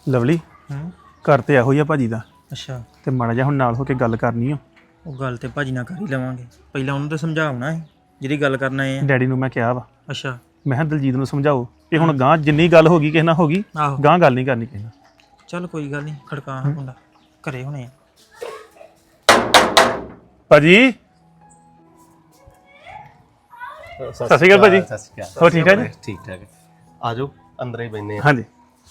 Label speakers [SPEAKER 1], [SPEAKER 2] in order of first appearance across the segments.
[SPEAKER 1] Lovely ਘਰ ਤੇ ਇਹੋ ਹੀ ਆ ਭਾਜੀ ਦਾ।
[SPEAKER 2] ਅੱਛਾ
[SPEAKER 1] ਤੇ ਮਾੜਾ ਜਿਹਾ ਹੁਣ ਨਾਲ ਹੋ ਕੇ ਗੱਲ ਕਰਨੀ ਆ।
[SPEAKER 2] ਉਹ ਗੱਲ ਤੇ ਭਾਜੀ ਨਾਲ ਕਰ ਹੀ ਲਵਾਂਗੇ, ਪਹਿਲਾਂ ਉਹਨੂੰ ਤਾਂ ਸਮਝਾਉਣਾ ਹੈ ਜਿਹੜੀ ਗੱਲ ਕਰਨਾ ਹੈ।
[SPEAKER 1] ਡੈਡੀ ਨੂੰ ਮੈਂ ਕਿਹਾ ਵਾ,
[SPEAKER 2] ਅੱਛਾ
[SPEAKER 1] ਮੈਂ ਕਿਹਾ ਦਲਜੀਤ ਨੂੰ ਸਮਝਾਓ ਕਿ ਹੁਣ ਗਾਂ ਜਿੰਨੀ ਗੱਲ ਹੋ ਗਈ ਕਿਸੇ ਨਾਲ ਹੋ ਗਈ,
[SPEAKER 2] ਆਹੋ
[SPEAKER 1] ਗਾਂ ਗੱਲ ਨਹੀਂ ਕਰਨੀ ਕਿਸੇ ਨਾਲ।
[SPEAKER 2] ਚੱਲ ਕੋਈ ਗੱਲ ਨਹੀਂ, ਖੜਕਾ ਮੁੰਡਾ ਘਰੇ ਹੋਣੇ ਆ।
[SPEAKER 1] ਭਾਜੀ ਸਤਿ ਸ਼੍ਰੀ ਅਕਾਲ ਭਾਜੀ।
[SPEAKER 3] ਸਤਿ ਸ਼੍ਰੀ ਅਕਾਲ।
[SPEAKER 1] ਹੋਰ ਠੀਕ ਠਾਕ ਜੀ?
[SPEAKER 3] ਠੀਕ ਠਾਕ ਹੈ। ਆ ਜਾਓ ਅੰਦਰ ਹੀ ਬੈਠਨੇ ਆ।
[SPEAKER 1] ਹਾਂਜੀ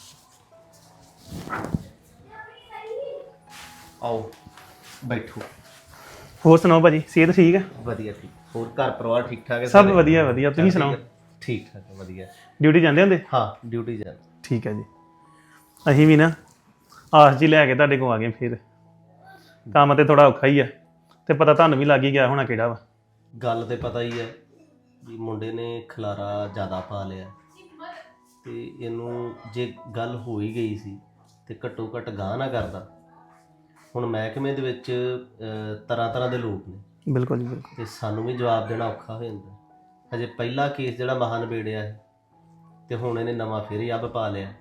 [SPEAKER 3] ਆਓ ਬੈਠੋ।
[SPEAKER 1] ਹੋਰ ਸੁਣਾਓ ਭਾਜੀ, ਸਿਹਤ ਠੀਕ ਹੈ?
[SPEAKER 3] ਵਧੀਆ ਠੀਕ। ਹੋਰ ਘਰ ਪਰਿਵਾਰ ਠੀਕ ਠਾਕ ਹੈ?
[SPEAKER 1] ਸਭ ਵਧੀਆ ਵਧੀਆ, ਤੁਸੀਂ ਸੁਣਾਓ?
[SPEAKER 3] ਠੀਕ ਠਾਕ ਹੈ, ਵਧੀਆ।
[SPEAKER 1] ਡਿਊਟੀ ਜਾਂਦੇ ਹੁੰਦੇ?
[SPEAKER 3] ਹਾਂ ਡਿਊਟੀ ਜਾ।
[SPEAKER 1] ਠੀਕ ਹੈ ਜੀ। ਅਸੀਂ ਵੀ ਨਾ ਆਸ ਜੀ ਲੈ ਕੇ ਤੁਹਾਡੇ ਕੋਲ ਆ ਗਏ। ਫਿਰ ਕੰਮ ਤੇ ਥੋੜਾ ਔਖਾ ਹੀ ਆ, ਤੇ ਪਤਾ ਤੁਹਾਨੂੰ ਵੀ ਲੱਗ ਹੀ ਗਿਆ ਹੋਣਾ ਕਿਹੜਾ ਵਾ।
[SPEAKER 3] ਗੱਲ ਤੇ ਪਤਾ ਹੀ ਹੈ ਵੀ ਮੁੰਡੇ ਨੇ ਖਲਾਰਾ ਜ਼ਿਆਦਾ ਪਾ ਲਿਆ, ਤੇ ਇਹਨੂੰ ਜੇ ਗੱਲ ਹੋ ਹੀ ਗਈ ਸੀ ਤੇ ਘੱਟੋ ਘੱਟ ਗਾਹ ਨਾ ਕਰਦਾ। ਹੁਣ ਮਹਿਕਮੇ ਦੇ ਵਿੱਚ ਤਰ੍ਹਾਂ ਤਰ੍ਹਾਂ ਦੇ ਲੋਕ ਨੇ।
[SPEAKER 1] ਬਿਲਕੁਲ ਜੀ ਬਿਲਕੁਲ।
[SPEAKER 3] ਤੇ ਸਾਨੂੰ ਵੀ ਜਵਾਬ ਦੇਣਾ ਔਖਾ ਹੋ ਜਾਂਦਾ। ਹਜੇ ਪਹਿਲਾ ਕੇਸ ਜਿਹੜਾ ਮਹਾਂ ਨਿਬੇੜਿਆ ਹੈ, ਤੇ ਹੁਣ ਇਹਨੇ ਨਵਾਂ ਫਿਰ ਹੀ ਅੱਬ ਪਾ ਲਿਆ।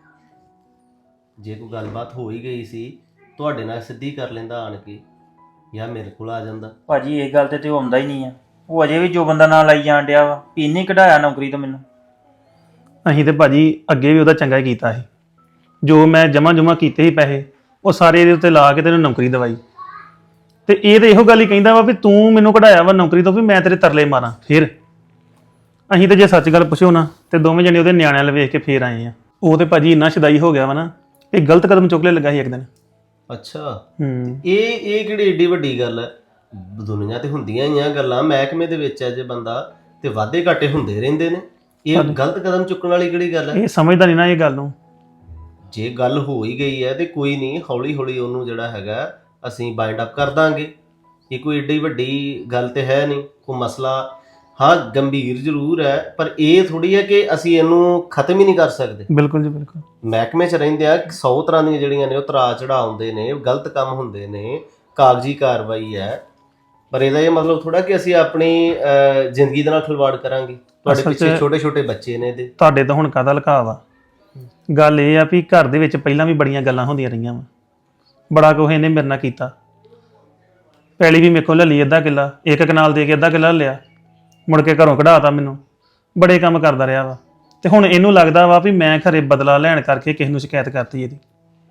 [SPEAKER 3] ਜੇ ਕੋਈ ਗੱਲਬਾਤ ਹੋ ਹੀ ਗਈ ਸੀ ਤੁਹਾਡੇ ਨਾਲ ਸਿੱਧੀ ਕਰ ਲੈਂਦਾ ਆਣ ਕੇ, ਜਾਂ ਮੇਰੇ ਕੋਲ ਆ ਜਾਂਦਾ।
[SPEAKER 2] ਭਾਜੀ ਇਹ ਗੱਲ ਤੇ ਉਹ ਆਉਂਦਾ ਹੀ ਨਹੀਂ ਆ। ਉਹ ਅਜੇ ਵੀ ਜੋ ਬੰਦਾ ਨਾਲ ਲਾਈ ਜਾਣ ਡਿਆ ਵਾ ਵੀ ਇਹਨੇ ਕਢਾਇਆ ਨੌਕਰੀ ਤੋਂ ਮੈਨੂੰ।
[SPEAKER 1] ਅਸੀਂ ਤੇ ਭਾਜੀ ਅੱਗੇ ਵੀ ਉਹਦਾ ਚੰਗਾ ਹੀ ਕੀਤਾ ਸੀ। ਜੋ ਮੈਂ ਜਮ੍ਹਾਂ ਕੀਤੇ ਸੀ ਪੈਸੇ, ਉਹ ਸਾਰੇ ਇਹਦੇ ਉੱਤੇ ਲਾ ਕੇ ਤੈਨੂੰ ਨੌਕਰੀ ਦਵਾਈ। ਤੇ ਇਹ ਤੇ ਇਹੋ ਗੱਲ ਹੀ ਕਹਿੰਦਾ ਵਾ ਵੀ ਤੂੰ ਮੈਨੂੰ ਕਢਾਇਆ ਵਾ ਨੌਕਰੀ ਤੋਂ, ਵੀ ਮੈਂ ਤੇਰੇ ਤਰਲੇ ਮਾਰਾਂ। ਫਿਰ ਅਸੀਂ ਤੇ ਜੇ ਸੱਚ ਗੱਲ ਪੁੱਛੋ ਨਾ, ਤੇ ਦੋਵੇਂ ਜਣੇ ਉਹਦੇ ਨਿਆਣਿਆਂ ਵੱਲ ਵੇਖ ਕੇ ਫੇਰ ਆਏ ਆ। ਉਹ ਤੇ ਭਾਜੀ ਇੰਨਾ ਸ਼ਦਾਈ ਹੋ ਗਿਆ ਵਾ ਨਾ, ਇਹ ਗਲਤ ਕਦਮ ਚੁੱਕ ਲੈ ਲੱਗਾ ਸੀ ਇੱਕ ਦਿਨ।
[SPEAKER 3] ਅੱਛਾ ਇਹ ਕਿਹੜੀ ਏਡੀ ਵੱਡੀ ਗੱਲ ਹੈ? ਦੁਨੀਆ ਤੇ ਹੁੰਦੀਆਂ ਹੀ ਆ ਗੱਲਾਂ, ਮਹਿਕਮੇ ਦੇ ਵਿੱਚ ਜੇ ਬੰਦਾ ਤੇ ਵਾਧੇ ਘਾਟੇ ਹੁੰਦੇ ਰਹਿੰਦੇ ਨੇ। ਇਹ ਗਲਤ ਕਦਮ ਚੁੱਕਣ ਵਾਲੀ ਕਿਹੜੀ ਗੱਲ ਹੈ?
[SPEAKER 1] ਇਹ ਸਮਝਦਾ ਨਹੀਂ ਨਾ ਇਹ ਗੱਲ ਨੂੰ।
[SPEAKER 3] ਜੇ ਗੱਲ ਹੋ ਹੀ ਗਈ ਹੈ ਤੇ ਕੋਈ ਨਹੀਂ, ਹੌਲੀ ਹੌਲੀ ਉਹਨੂੰ ਜਿਹੜਾ ਹੈਗਾ ਅਸੀਂ ਬਾਈਂਡ ਅਪ ਕਰ ਦਾਂਗੇ। ਇਹ ਕੋਈ ਏਡੀ ਵੱਡੀ ਗੱਲ ਤੇ ਹੈ ਨਹੀਂ, ਕੋਈ ਮਸਲਾ ਹਾਂ ਗੰਭੀਰ ਜ਼ਰੂਰ ਹੈ, ਪਰ ਇਹ ਥੋੜੀ ਹੈ ਕਿ ਅਸੀਂ ਇਹਨੂੰ ਖਤਮ ਹੀ ਨਹੀਂ ਕਰ ਸਕਦੇ।
[SPEAKER 1] ਬਿਲਕੁਲ ਜੀ ਬਿਲਕੁਲ।
[SPEAKER 3] ਮਹਿਕਮੇ 'ਚ ਰਹਿੰਦੇ ਆ 100 ਤਰ੍ਹਾਂ ਦੀਆਂ ਜਿਹੜੀਆਂ ਨੇ ਉਹ ਤਰਾ ਚੜਾਉਂਦੇ ਨੇ, ਗਲਤ ਕੰਮ ਹੁੰਦੇ ਨੇ, ਕਾਗਜ਼ੀ ਕਾਰਵਾਈ ਹੈ। ਪਰ ਇਹਦਾ ਇਹ ਮਤਲਬ ਥੋੜਾ ਕਿ ਅਸੀਂ ਆਪਣੀ ਜ਼ਿੰਦਗੀ ਦੇ ਨਾਲ ਖਿਲਵਾੜ ਕਰਾਂਗੇ। ਤੁਹਾਡੇ ਪਿੱਛੇ ਛੋਟੇ ਛੋਟੇ ਬੱਚੇ ਨੇ ਇਹਦੇ।
[SPEAKER 1] ਤੁਹਾਡੇ ਤਾਂ ਹੁਣ ਕਾਹਦਾ ਲੁਕਾਅ ਵਾ? ਗੱਲ ਇਹ ਆ ਵੀ ਘਰ ਦੇ ਵਿੱਚ ਪਹਿਲਾਂ ਵੀ ਬੜੀਆਂ ਗੱਲਾਂ ਹੁੰਦੀਆਂ ਰਹੀਆਂ ਵਾ, ਬੜਾ ਕੁਛ ਇਹਨੇ ਮੇਰੇ ਨਾਲ ਕੀਤਾ। ਪਹਿਲੀ ਵੀ ਮੇਰੇ ਕੋਲ ਲੈ ਲਈ ਅੱਧਾ ਕਿੱਲਾ, ਇੱਕ ਕਨਾਲ ਦੇ ਕੇ ਅੱਧਾ ਕਿੱਲਾ ਲਿਆ, ਮੁੜ ਕੇ ਘਰੋਂ ਕਢਾਤਾ ਮੈਨੂੰ। ਬੜੇ ਕੰਮ ਕਰਦਾ ਰਿਹਾ ਵਾ, ਤੇ ਹੁਣ ਇਹਨੂੰ ਲੱਗਦਾ ਵਾ ਵੀ ਮੈਂ ਘਰੇ ਬਦਲਾ ਲੈਣ ਕਰਕੇ ਕਿਸੇ ਨੂੰ ਸ਼ਿਕਾਇਤ ਕਰਤੀ ਇਹਦੀ,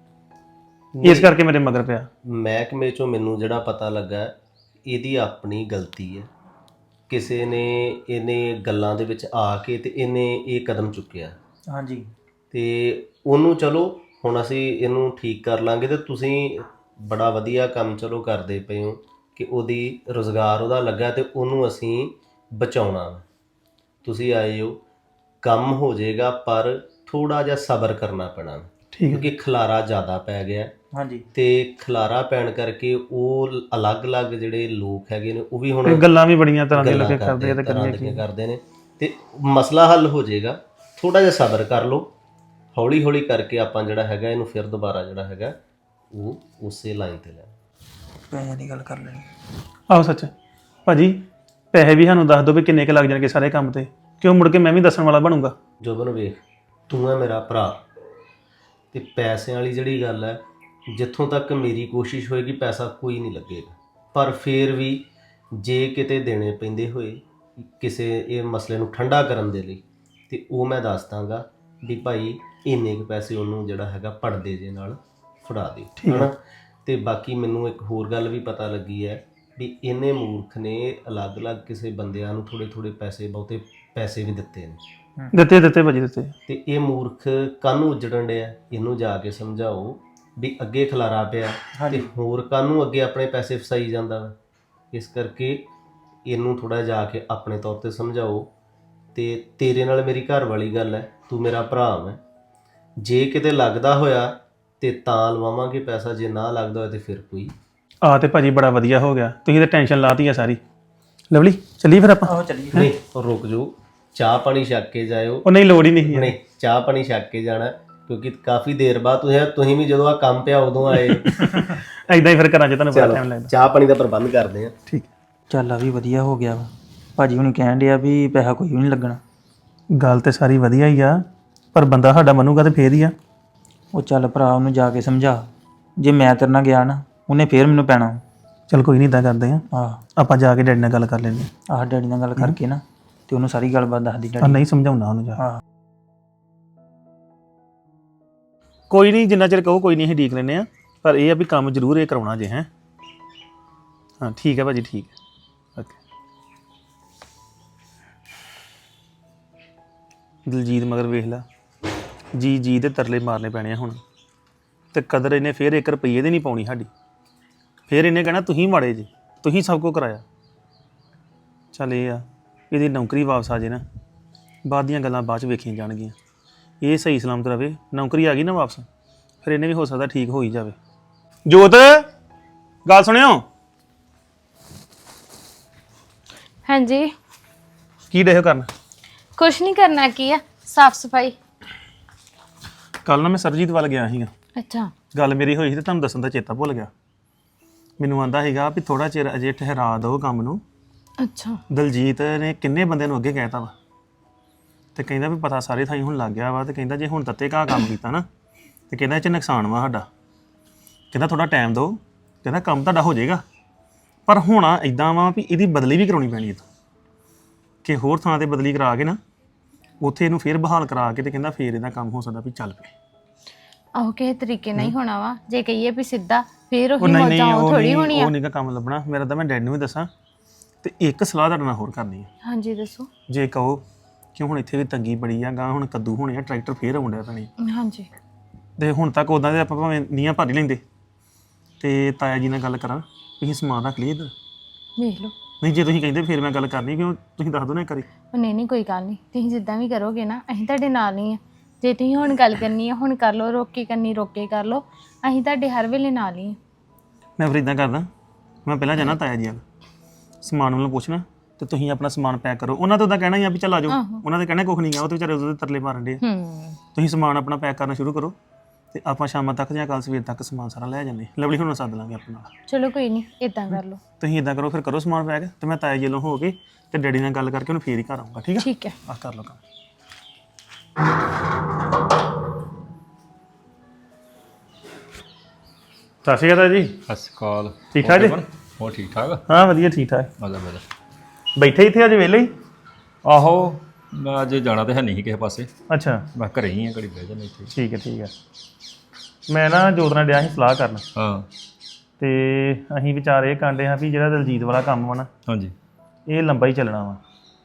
[SPEAKER 1] ਇਸ ਕਰਕੇ ਮੇਰੇ ਮਗਰ ਪਿਆ।
[SPEAKER 3] ਮਹਿਕਮੇ 'ਚੋਂ ਮੈਨੂੰ ਜਿਹੜਾ ਪਤਾ ਲੱਗਾ ਇਹਦੀ ਆਪਣੀ ਗਲਤੀ ਹੈ। ਕਿਸੇ ਨੇ ਇਹਨੇ ਗੱਲਾਂ ਦੇ ਵਿੱਚ ਆ ਕੇ ਤੇ ਇਹਨੇ ਇਹ ਕਦਮ ਚੁੱਕਿਆ।
[SPEAKER 2] ਹਾਂਜੀ
[SPEAKER 3] ਤੇ ਉਹਨੂੰ ਚਲੋ ਹੁਣ ਅਸੀਂ ਇਹਨੂੰ ਠੀਕ ਕਰ ਲਾਂਗੇ। ਤੇ ਤੁਸੀਂ ਬੜਾ ਵਧੀਆ ਕੰਮ ਚਲੋ ਕਰਦੇ ਪਏ ਹੋ ਕਿ ਉਹਦੀ ਰੁਜ਼ਗਾਰ ਉਹਦਾ ਲੱਗਾ ਤੇ ਉਹਨੂੰ ਅਸੀਂ ਬਚਾਉਣਾ। ਤੁਸੀਂ ਆਏ ਹੋ, ਕੰਮ ਹੋ ਜਾਏਗਾ, ਪਰ ਥੋੜਾ ਜਿਹਾ ਸਬਰ ਕਰਨਾ ਪੈਣਾ, ਕਿਉਂਕਿ ਖਲਾਰਾ ਜ਼ਿਆਦਾ ਪੈ ਗਿਆ।
[SPEAKER 2] ਹਾਂਜੀ
[SPEAKER 3] ਤੇ ਖਲਾਰਾ ਪੈਣ ਕਰਕੇ ਉਹ ਅਲੱਗ-ਅਲੱਗ ਜਿਹੜੇ ਲੋਕ ਹੈਗੇ ਨੇ ਉਹ ਵੀ ਹੁਣ
[SPEAKER 1] ਗੱਲਾਂ ਵੀ ਬੜੀਆਂ ਤਰ੍ਹਾਂ ਦੀਆਂ ਲੱਗੇ ਕਰਦੇ
[SPEAKER 3] ਕਰਦੇ ਨੇ, ਤੇ ਮਸਲਾ ਹੱਲ ਹੋ ਜਾਏਗਾ। ਥੋੜਾ ਜਿਹਾ ਸਬਰ ਕਰ ਲਓ, ਹੌਲੀ ਹੌਲੀ ਕਰਕੇ ਆਪਾਂ ਜਿਹੜਾ ਹੈਗਾ ਇਹਨੂੰ ਫਿਰ ਦੁਬਾਰਾ ਜਿਹੜਾ ਹੈਗਾ ਉਹ ਉਸੇ ਲਾਈਨ ਤੇ ਲੈ।
[SPEAKER 2] ਪੈਸੇ ਦੀ ਗੱਲ ਕਰ ਲੈਣੀ।
[SPEAKER 1] ਆਹੋ ਸੱਚ ਭਾਜੀ, ਪੈਸੇ ਵੀ ਸਾਨੂੰ ਦੱਸ ਦਿਓ ਵੀ ਕਿੰਨੇ ਕੁ ਲੱਗ ਜਾਣਗੇ ਸਾਰੇ ਕੰਮ ਤੇ, ਕਿਉਂ ਮੁੜ ਕੇ ਮੈਂ ਵੀ ਦੱਸਣ ਵਾਲਾ ਬਣੂੰਗਾ।
[SPEAKER 3] ਜੋਬਨ ਵੇਖ, ਤੂੰ ਹੈ ਮੇਰਾ ਭਰਾ, ਤੇ ਪੈਸਿਆਂ ਵਾਲੀ ਜਿਹੜੀ ਗੱਲ ਹੈ, ਜਿੱਥੋਂ ਤੱਕ ਮੇਰੀ ਕੋਸ਼ਿਸ਼ ਹੋਏਗੀ ਪੈਸਾ ਕੋਈ ਨਹੀਂ ਲੱਗੇਗਾ। ਪਰ ਫਿਰ ਵੀ ਜੇ ਕਿਤੇ ਦੇਣੇ ਪੈਂਦੇ ਹੋਏ ਕਿਸੇ ਇਹ ਮਸਲੇ ਨੂੰ ਠੰਡਾ ਕਰਨ ਦੇ ਲਈ, ਤੇ ਉਹ ਮੈਂ ਦੱਸ ਦਾਂਗਾ ਵੀ ਭਾਈ ਇੰਨੇ ਕੁ ਪੈਸੇ ਉਹਨੂੰ ਜਿਹੜਾ ਹੈਗਾ ਪੜਦੇ ਜੇ ਨਾਲ ਫੜਾ ਦੇ, ਹੈ ਨਾ। ਤੇ ਬਾਕੀ ਮੈਨੂੰ ਇੱਕ ਹੋਰ ਗੱਲ ਵੀ ਪਤਾ ਲੱਗੀ ਹੈ ਵੀ ਇਹਨੇ ਮੂਰਖ ਨੇ ਅਲੱਗ-ਅਲੱਗ ਕਿਸੇ ਬੰਦਿਆਂ ਨੂੰ ਥੋੜੇ ਪੈਸੇ, ਬਹੁਤੇ ਪੈਸੇ ਵੀ ਦਿੱਤੇ ਨੇ।
[SPEAKER 1] ਦਿੱਤੇ ਭਾਜੀ ਦਿੱਤੇ। ਤੇ
[SPEAKER 3] ਇਹ ਮੂਰਖ ਕਾਹਨੂੰ ਉੱਜੜਨ ਡਿਆ? ਇਹਨੂੰ ਜਾ ਕੇ ਸਮਝਾਓ ਵੀ ਅੱਗੇ ਖਲਾਰਾ ਪਿਆ ਤੇ ਹੋਰ ਕਾਹਨੂੰ ਅੱਗੇ ਆਪਣੇ ਪੈਸੇ ਫਸਾਈ ਜਾਂਦਾ ਵਾ। ਇਸ ਕਰਕੇ ਇਹਨੂੰ ਥੋੜਾ ਜਾ ਕੇ ਆਪਣੇ ਤੌਰ ਤੇ ਸਮਝਾਓ। ਤੇ ਤੇਰੇ ਨਾਲ ਮੇਰੀ ਘਰ ਵਾਲੀ ਗੱਲ ਹੈ, ਤੂੰ ਮੇਰਾ ਭਰਾ ਹੈ। ਜੇ ਕਿਤੇ ਲੱਗਦਾ ਹੋਇਆ ਤੇ ਤਾਂ ਲਵਾਵਾਂਗੇ ਪੈਸਾ, ਜੇ ਨਾ ਲੱਗਦਾ ਹੋਇਆ ਤੇ ਫਿਰ ਕੋਈ।
[SPEAKER 1] ਤੇ ਭਾਜੀ ਬੜਾ ਵਧੀਆ ਹੋ ਗਿਆ, ਤੁਸੀਂ ਤਾਂ ਟੈਨਸ਼ਨ ਲਾਤੀ ਆ ਸਾਰੀ। ਲਵਲੀ ਚੱਲੀਏ ਫਿਰ ਆਪਾਂ?
[SPEAKER 2] ਆਹੋ ਚੱਲੀਏ।
[SPEAKER 3] ਨਹੀਂ ਰੁਕ ਜਾਓ, ਚਾਹ ਪਾਣੀ ਛੱਕ ਕੇ ਜਾਇਓ।
[SPEAKER 1] ਉਹ ਨਹੀਂ ਲੋੜ ਹੀ ਨਹੀਂ।
[SPEAKER 3] ਨਹੀਂ ਚਾਹ ਪਾਣੀ ਛੱਕ ਕੇ ਜਾਣਾ, ਕਿਉਂਕਿ ਕਾਫੀ ਦੇਰ ਬਾਅਦ ਤੁਸੀਂ ਵੀ ਜਦੋਂ ਆ ਕੰਮ ਪਿਆ ਉਦੋਂ ਆਏ।
[SPEAKER 1] ਐਦਾਂ ਹੀ ਫਿਰ ਘਰਾਂ 'ਚ ਤੁਹਾਨੂੰ ਬੜਾ ਟਾਈਮ ਲੱਗਦਾ।
[SPEAKER 3] ਚਾਹ ਪਾਣੀ ਦਾ ਪ੍ਰਬੰਧ ਕਰਦੇ ਆ।
[SPEAKER 1] ਠੀਕ
[SPEAKER 2] ਚੱਲ ਆ ਵੀ ਵਧੀਆ ਹੋ ਗਿਆ ਵਾ। ਭਾਜੀ ਹੁਣ ਕਹਿਣ ਡਿਆ ਵੀ ਪੈਸਾ ਕੋਈ ਵੀ ਨਹੀਂ ਲੱਗਣਾ।
[SPEAKER 1] ਗੱਲ ਤੇ ਸਾਰੀ ਵਧੀਆ ਹੀ ਆ, ਪਰ ਬੰਦਾ ਸਾਡਾ ਮੰਨੂਗਾ ਤੇ ਫੇਰ ਹੀ ਆ।
[SPEAKER 2] ਉਹ ਚੱਲ ਭਰਾ ਉਹਨੂੰ ਜਾ ਕੇ ਸਮਝਾ, ਜੇ ਮੈਂ ਤੇਰੇ ਨਾਲ ਗਿਆ ਨਾ ਉਹਨੇ ਫੇਰ ਮੈਨੂੰ ਪੈਣਾ।
[SPEAKER 1] ਚਲ ਕੋਈ ਨਹੀਂ, ਇਦਾਂ ਕਰਦੇ ਆ,
[SPEAKER 2] ਆਹ
[SPEAKER 1] ਆਪਾਂ ਜਾ ਕੇ ਡੈਡੀ ਨਾਲ ਗੱਲ ਕਰ ਲੈਂਦੇ
[SPEAKER 2] ਆਹ ਡੈਡੀ ਨਾਲ ਗੱਲ ਕਰਕੇ ਨਾ ਤੇ ਉਹਨੂੰ ਸਾਰੀ ਗੱਲਬਾਤ ਦੱਸਦੀ
[SPEAKER 1] ਆ।
[SPEAKER 2] ਡੈਡੀ।
[SPEAKER 1] ਨਹੀਂ ਸਮਝਾਉਣਾ ਉਹਨੂੰ ਜਾ।
[SPEAKER 2] ਹਾਂ
[SPEAKER 1] ਕੋਈ ਨਹੀਂ, ਜਿੰਨਾ ਚਿਰ ਕਹੋ ਕੋਈ ਨਹੀਂ, ਅਸੀਂ ਡੀਕ ਲੈਂਦੇ ਆ, ਪਰ ਇਹ ਆ ਵੀ ਕੰਮ ਜ਼ਰੂਰ ਇਹ ਕਰਾਉਣਾ ਜੇ। ਹੈ ਹਾਂ ਠੀਕ ਹੈ ਭਾਜੀ, ਠੀਕ ਹੈ, ਓਕੇ। ਦਲਜੀਤ ਮਗਰ ਵੇਖ ਲਾ, ਜੀ ਦੇ ਤਰਲੇ ਮਾਰਨੇ ਪੈਣੇ ਆ ਹੁਣ, ਤੇ ਕਦਰ ਇਹਨੇ ਫੇਰ 1 ਰੁਪਈਏ ਦੀ ਨਹੀਂ ਪਾਉਣੀ ਸਾਡੀ। ਫੇਰ ਇਹਨੇ ਕਹਿਣਾ ਤੁਸੀਂ ਮਾੜੇ ਜੀ, ਤੁਸੀਂ ਸਭ ਕੁਝ ਕਰਾਇਆ। ਚੱਲ ਇਹ ਆ ਇਹਦੀ ਨੌਕਰੀ ਵਾਪਸ ਆ ਜੇ ਨਾ, ਬਾਅਦ ਦੀਆਂ ਗੱਲਾਂ ਬਾਅਦ ਚ ਵੇਖੀਆਂ ਜਾਣਗੀਆਂ। ਇਹ ਸਹੀ ਸਲਾਮਤ ਰਵੇ, ਨੌਕਰੀ ਆ ਗਈ ਨਾ ਵਾਪਸ, ਫਿਰ ਇਹਨੇ ਵੀ ਹੋ ਸਕਦਾ ਠੀਕ ਹੋ ਹੀ ਜਾਵੇ। ਜੋਤ ਗੱਲ ਸੁਣਿਓ।
[SPEAKER 4] ਹਾਂਜੀ।
[SPEAKER 1] ਕੀ ਡਿਓ ਕਰਨ?
[SPEAKER 4] ਕੁਛ ਨਹੀਂ ਕਰਨਾ, ਕੀ ਆ ਸਾਫ ਸਫਾਈ।
[SPEAKER 1] ਕੱਲ ਨਾ ਮੈਂ ਸਰਜੀਤ ਵੱਲ ਗਿਆ ਸੀਗਾ,
[SPEAKER 4] ਅੱਛਾ।
[SPEAKER 1] ਗੱਲ ਮੇਰੀ ਹੋਈ ਸੀ ਤੇ ਤੁਹਾਨੂੰ ਦੱਸਣ ਦਾ ਚੇਤਾ ਭੁੱਲ ਗਿਆ। ਮੈਨੂੰ ਆਂਦਾ ਸੀਗਾ ਵੀ ਥੋੜਾ ਚਿਰ ਅਜੇ ਠਹਿਰਾ ਦਿਓ ਕੰਮ ਨੂੰ।
[SPEAKER 4] ਅੱਛਾ।
[SPEAKER 1] ਦਲਜੀਤ ਨੇ ਕਿੰਨੇ ਬੰਦਿਆਂ ਨੂੰ ਅੱਗੇ ਕਹਿਤਾ ਵਾ, ਤੇ ਕਹਿੰਦਾ ਵੀ ਪਤਾ ਸਾਰੇ ਥਾਈ ਹੁਣ ਲੱਗ ਗਿਆ ਵਾ, ਤੇ ਕਹਿੰਦਾ ਜੇ ਹੁਣ ਤੱਤੇ ਘਾਹ ਕੰਮ ਕੀਤਾ ਨਾ ਤੇ ਕਹਿੰਦਾ ਇਹ 'ਚ ਨੁਕਸਾਨ ਵਾ ਸਾਡਾ। ਕਹਿੰਦਾ ਥੋੜਾ ਟਾਈਮ ਦਿਓ, ਕਹਿੰਦਾ ਕੰਮ ਤੁਹਾਡਾ ਹੋ ਜਾਏਗਾ, ਪਰ ਹੋਣਾ ਇਦਾਂ ਵਾ ਵੀ ਇਹਦੀ ਬਦਲੀ ਵੀ ਕਰਾਉਣੀ ਪੈਣੀ ਹੈ, ਕਿ ਹੋਰ ਥਾਂ ਤੇ ਬਦਲੀ ਕਰਾ ਕੇ ਨਾ ਉੱਥੇ ਇਹਨੂੰ ਫੇਰ ਬਹਾਲ ਕਰਾ ਕੇ, ਤੇ ਕਹਿੰਦਾ ਫੇਰ ਇਹਦਾ ਕੰਮ ਹੋ ਸਕਦਾ ਵੀ ਚੱਲ ਪਏ।
[SPEAKER 4] ਆਹੋ ਕਿਸੇ ਤਰੀਕੇ ਨਹੀਂ ਹੋਣਾ ਵਾ, ਜੇ ਕਹੀਏ ਵੀ ਸਿੱਧਾ ਫੇਰ
[SPEAKER 1] ਉਹ
[SPEAKER 4] ਉਹੀ
[SPEAKER 1] ਨਹੀਂ
[SPEAKER 4] ਮੌਜਾਂ ਉਹ ਥੋੜੀ ਹੋਣੀ ਆ।
[SPEAKER 1] ਉਹ ਨਹੀਂਗਾ ਕੰਮ ਲੱਭਣਾ ਮੇਰਾ, ਤਾਂ ਮੈਂ ਡੈਡ ਨੂੰ ਵੀ ਦੱਸਾਂ। ਤੇ ਇੱਕ ਸਲਾਹ ਤੁਹਾਡੇ ਨਾਲ ਹੋਰ ਕਰਨੀ ਹੈ।
[SPEAKER 4] ਹਾਂਜੀ ਦੱਸੋ।
[SPEAKER 1] ਜੇ ਕਹੋ ਕਿ ਹੁਣ ਇੱਥੇ ਵੀ ਤੰਗੀ ਬੜੀ ਆ, ਗਾਂ ਹੁਣ ਕੱਦੂ ਹੋਣੇ ਆ, ਟਰੈਕਟਰ ਫੇਰ ਆਉਂਦਾ ਪੈਣੀ,
[SPEAKER 4] ਹਾਂਜੀ।
[SPEAKER 1] ਤੇ ਹੁਣ ਤੱਕ ਉਦਾਂ ਦੇ ਆਪਾਂ ਭਾਵੇਂ ਨੀਹਾਂ ਭਰ ਹੀ ਲੈਂਦੇ, ਤੇ ਤਾਇਆ ਜੀ ਨਾਲ ਗੱਲ ਕਰਾਂ, ਤੁਸੀਂ ਸਮਾਨ ਰੱਖ ਲਈਏ ਇੱਧਰ।
[SPEAKER 4] ਵੇਖ ਲਓ।
[SPEAKER 1] ਨਹੀਂ ਜੇ ਤੁਸੀਂ ਕਹਿੰਦੇ ਫਿਰ ਮੈਂ ਗੱਲ ਕਰਨੀ, ਕਿਉਂ ਤੁਸੀਂ ਦੱਸ ਦਿਓ ਨਾ ਇੱਕ ਵਾਰੀ।
[SPEAKER 4] ਉਹ ਨਹੀਂ ਕੋਈ ਗੱਲ ਨਹੀਂ, ਤੁਸੀਂ ਜਿੱਦਾਂ ਵੀ ਕਰੋਗੇ ਨਾ ਅਸੀਂ ਤੁਹਾਡੇ ਨਾਲ ਹੀ ਆ। ਜੇ ਤੁਸੀਂ ਹੁਣ ਗੱਲ ਕਰਨੀ ਆ ਹੁਣ ਕਰ ਲਓ, ਰੋਕ ਕੇ ਕਰਨੀ ਰੋਕ ਕੇ ਕਰ ਲਓ, ਅਸੀਂ ਤੁਹਾਡੇ ਹਰ ਵੇਲੇ ਨਾਲ ਹੀ ਆ।
[SPEAKER 1] ਮੈਂ ਫਿਰ ਇਦਾਂ ਕਰਦਾ, ਮੈਂ ਪਹਿਲਾਂ ਜਾਣਾ ਤਾਇਆ ਜੀ ਵੱਲ, ਸਮਾਨ ਵੱਲੋਂ ਪੁੱਛਣਾ, ਤੇ ਤੁਸੀਂ ਆਪਣਾ ਸਮਾਨ ਪੈਕ ਕਰੋ। ਉਹਨਾਂ ਤੋਂ ਤਾਂ ਕਹਿਣਾ ਹੀ ਆ ਵੀ ਚੱਲ ਆ ਜਾਓ, ਉਹਨਾਂ ਦੇ ਕਹਿਣਾ ਕੁਛ ਨਹੀਂ ਗਾ, ਉਹ ਤੇ ਵਿਚਾਰੇ ਉਹਦੇ ਤਰਲੇ ਮਾਰਨ ਦੇ। ਤੁਸੀਂ ਸਮਾਨ ਆਪਣਾ ਪੈਕ ਕਰਨਾ ਸ਼ੁਰੂ ਕਰੋ, ਤੇ ਆਪਾਂ ਸ਼ਾਮਾਂ ਤੱਕ ਜਾਂ ਕੱਲ ਸਵੇਰ ਤੱਕ ਸਮਾਨ ਸਾਰਾ ਲੈ ਜਾਂਦੇ। ਲਵਲੀ ਹੁਣ ਸੱਦ ਲਾਂਗੇ ਆਪਣੇ ਨਾਲ।
[SPEAKER 4] ਚਲੋ ਕੋਈ ਨਹੀਂ, ਇਦਾਂ ਕਰ ਲਓ।
[SPEAKER 1] ਤੁਸੀਂ ਇਦਾਂ ਕਰੋ, ਫਿਰ ਕਰੋ ਸਮਾਨ ਪੈਕ, ਤੇ ਮੈਂ ਤਾਇਆ ਜੀ ਵੱਲੋਂ ਹੋ ਕੇ ਤੇ ਡੈਡੀ ਨਾਲ ਗੱਲ ਕਰਕੇ ਉਹਨੂੰ ਫੇਰ ਹੀ ਘਰ ਆਊਂਗਾ। ਠੀਕ ਆ?
[SPEAKER 4] ਠੀਕ ਹੈ।
[SPEAKER 1] ਆ ਕਰ ਲਓ ਕੰਮ। ਸਤਿ ਸ਼੍ਰੀ ਅਕਾਲ ਜੀ।
[SPEAKER 5] ਸਤਿ ਸ਼੍ਰੀ ਅਕਾਲ।
[SPEAKER 1] ਠੀਕ ਠਾਕ ਜੀ?
[SPEAKER 5] ਹੋਰ ਠੀਕ ਠਾਕ।
[SPEAKER 1] ਹਾਂ ਵਧੀਆ, ਠੀਕ ਠਾਕ।
[SPEAKER 5] ਮਜ਼ਾ
[SPEAKER 1] ਬੈਠੇ ਇੱਥੇ ਅੱਜ ਵਿਹਲੇ ਹੀ?
[SPEAKER 5] ਆਹੋ ਮੈਂ ਅੱਜ ਜਾਣਾ ਤੇ ਹੈ ਨਹੀਂ ਸੀ ਕਿਸੇ ਪਾਸੇ,
[SPEAKER 1] ਅੱਛਾ
[SPEAKER 5] ਮੈਂ ਘਰੇ ਹੀ ਆ, ਘੜੀ ਬਹਿ ਜਾਣਾ ਇੱਥੇ।
[SPEAKER 1] ਠੀਕ ਹੈ ਠੀਕ ਹੈ। ਮੈਂ ਨਾ ਜੋਤ ਨਾਲ ਡਿਆ ਸੀ ਸਲਾਹ ਕਰਨ,
[SPEAKER 5] ਹਾਂ
[SPEAKER 1] ਤੇ ਅਸੀਂ ਵਿਚਾਰ ਇਹ ਕਰਦੇ ਹਾਂ ਵੀ ਜਿਹੜਾ ਦਲਜੀਤ ਵਾਲਾ ਕੰਮ ਵਾ ਨਾ,
[SPEAKER 5] ਹਾਂਜੀ।
[SPEAKER 1] ਇਹ ਲੰਬਾ ਹੀ ਚੱਲਣਾ ਵਾ,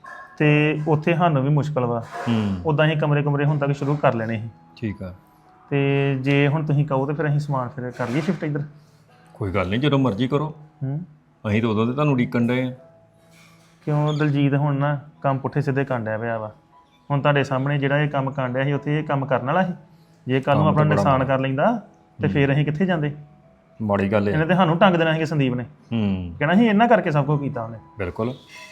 [SPEAKER 1] ਤੇ ਉੱਥੇ ਸਾਨੂੰ ਵੀ ਮੁਸ਼ਕਲ ਵਾ। ਉੱਦਾਂ ਅਸੀਂ ਕਮਰੇ ਹੁਣ ਤੱਕ ਸ਼ੁਰੂ ਕਰ ਲੈਣੇ ਸੀ,
[SPEAKER 5] ਠੀਕ ਆ।
[SPEAKER 1] ਤੇ ਜੇ ਹੁਣ ਤੁਸੀਂ ਕਹੋ ਤੇ ਫਿਰ ਅਸੀਂ ਸਮਾਨ ਫਿਰ ਕਰ ਲਈਏ ਸ਼ਿਫਟ ਇੱਧਰ।
[SPEAKER 5] ਕੋਈ ਗੱਲ ਨਹੀਂ, ਜਦੋਂ ਮਰਜ਼ੀ ਕਰੋ। ਅਸੀਂ ਤਾਂ ਉਦੋਂ ਤੇ ਤੁਹਾਨੂੰ ਉਡੀਕਣ ਡਏ ਆ।
[SPEAKER 1] ਕਿਉਂ ਦਲਜੀਤ ਹੁਣ ਨਾ ਕੰਮ ਪੁੱਠੇ ਸਿੱਧੇ ਕਾਂਡਿਆ ਪਿਆ ਵਾ। ਹੁਣ ਤੁਹਾਡੇ ਸਾਹਮਣੇ ਜਿਹੜਾ ਇਹ ਕੰਮ ਕਾਂਡਿਆ ਸੀ, ਉੱਥੇ ਇਹ ਕੰਮ ਕਰਨ ਵਾਲਾ ਸੀ। ਜੇ ਕੱਲ ਨੂੰ ਆਪਣਾ ਨੁਕਸਾਨ ਕਰ ਲੈਂਦਾ ਤੇ ਫਿਰ ਅਸੀਂ ਕਿੱਥੇ ਜਾਂਦੇ?
[SPEAKER 5] ਮਾੜੀ ਗੱਲ
[SPEAKER 1] ਇਹਨੇ
[SPEAKER 5] ਹੈ।
[SPEAKER 1] ਤੇ ਸਾਨੂੰ ਟੰਗ ਦੇਣਾ ਸੀ ਸੰਦੀਪ ਨੇ, ਕਹਿਣਾ ਸੀ ਇਹਨਾਂ ਕਰਕੇ ਸਭ ਕੁਝ ਕੀਤਾ ਉਹਨੇ।
[SPEAKER 5] ਬਿਲਕੁਲ।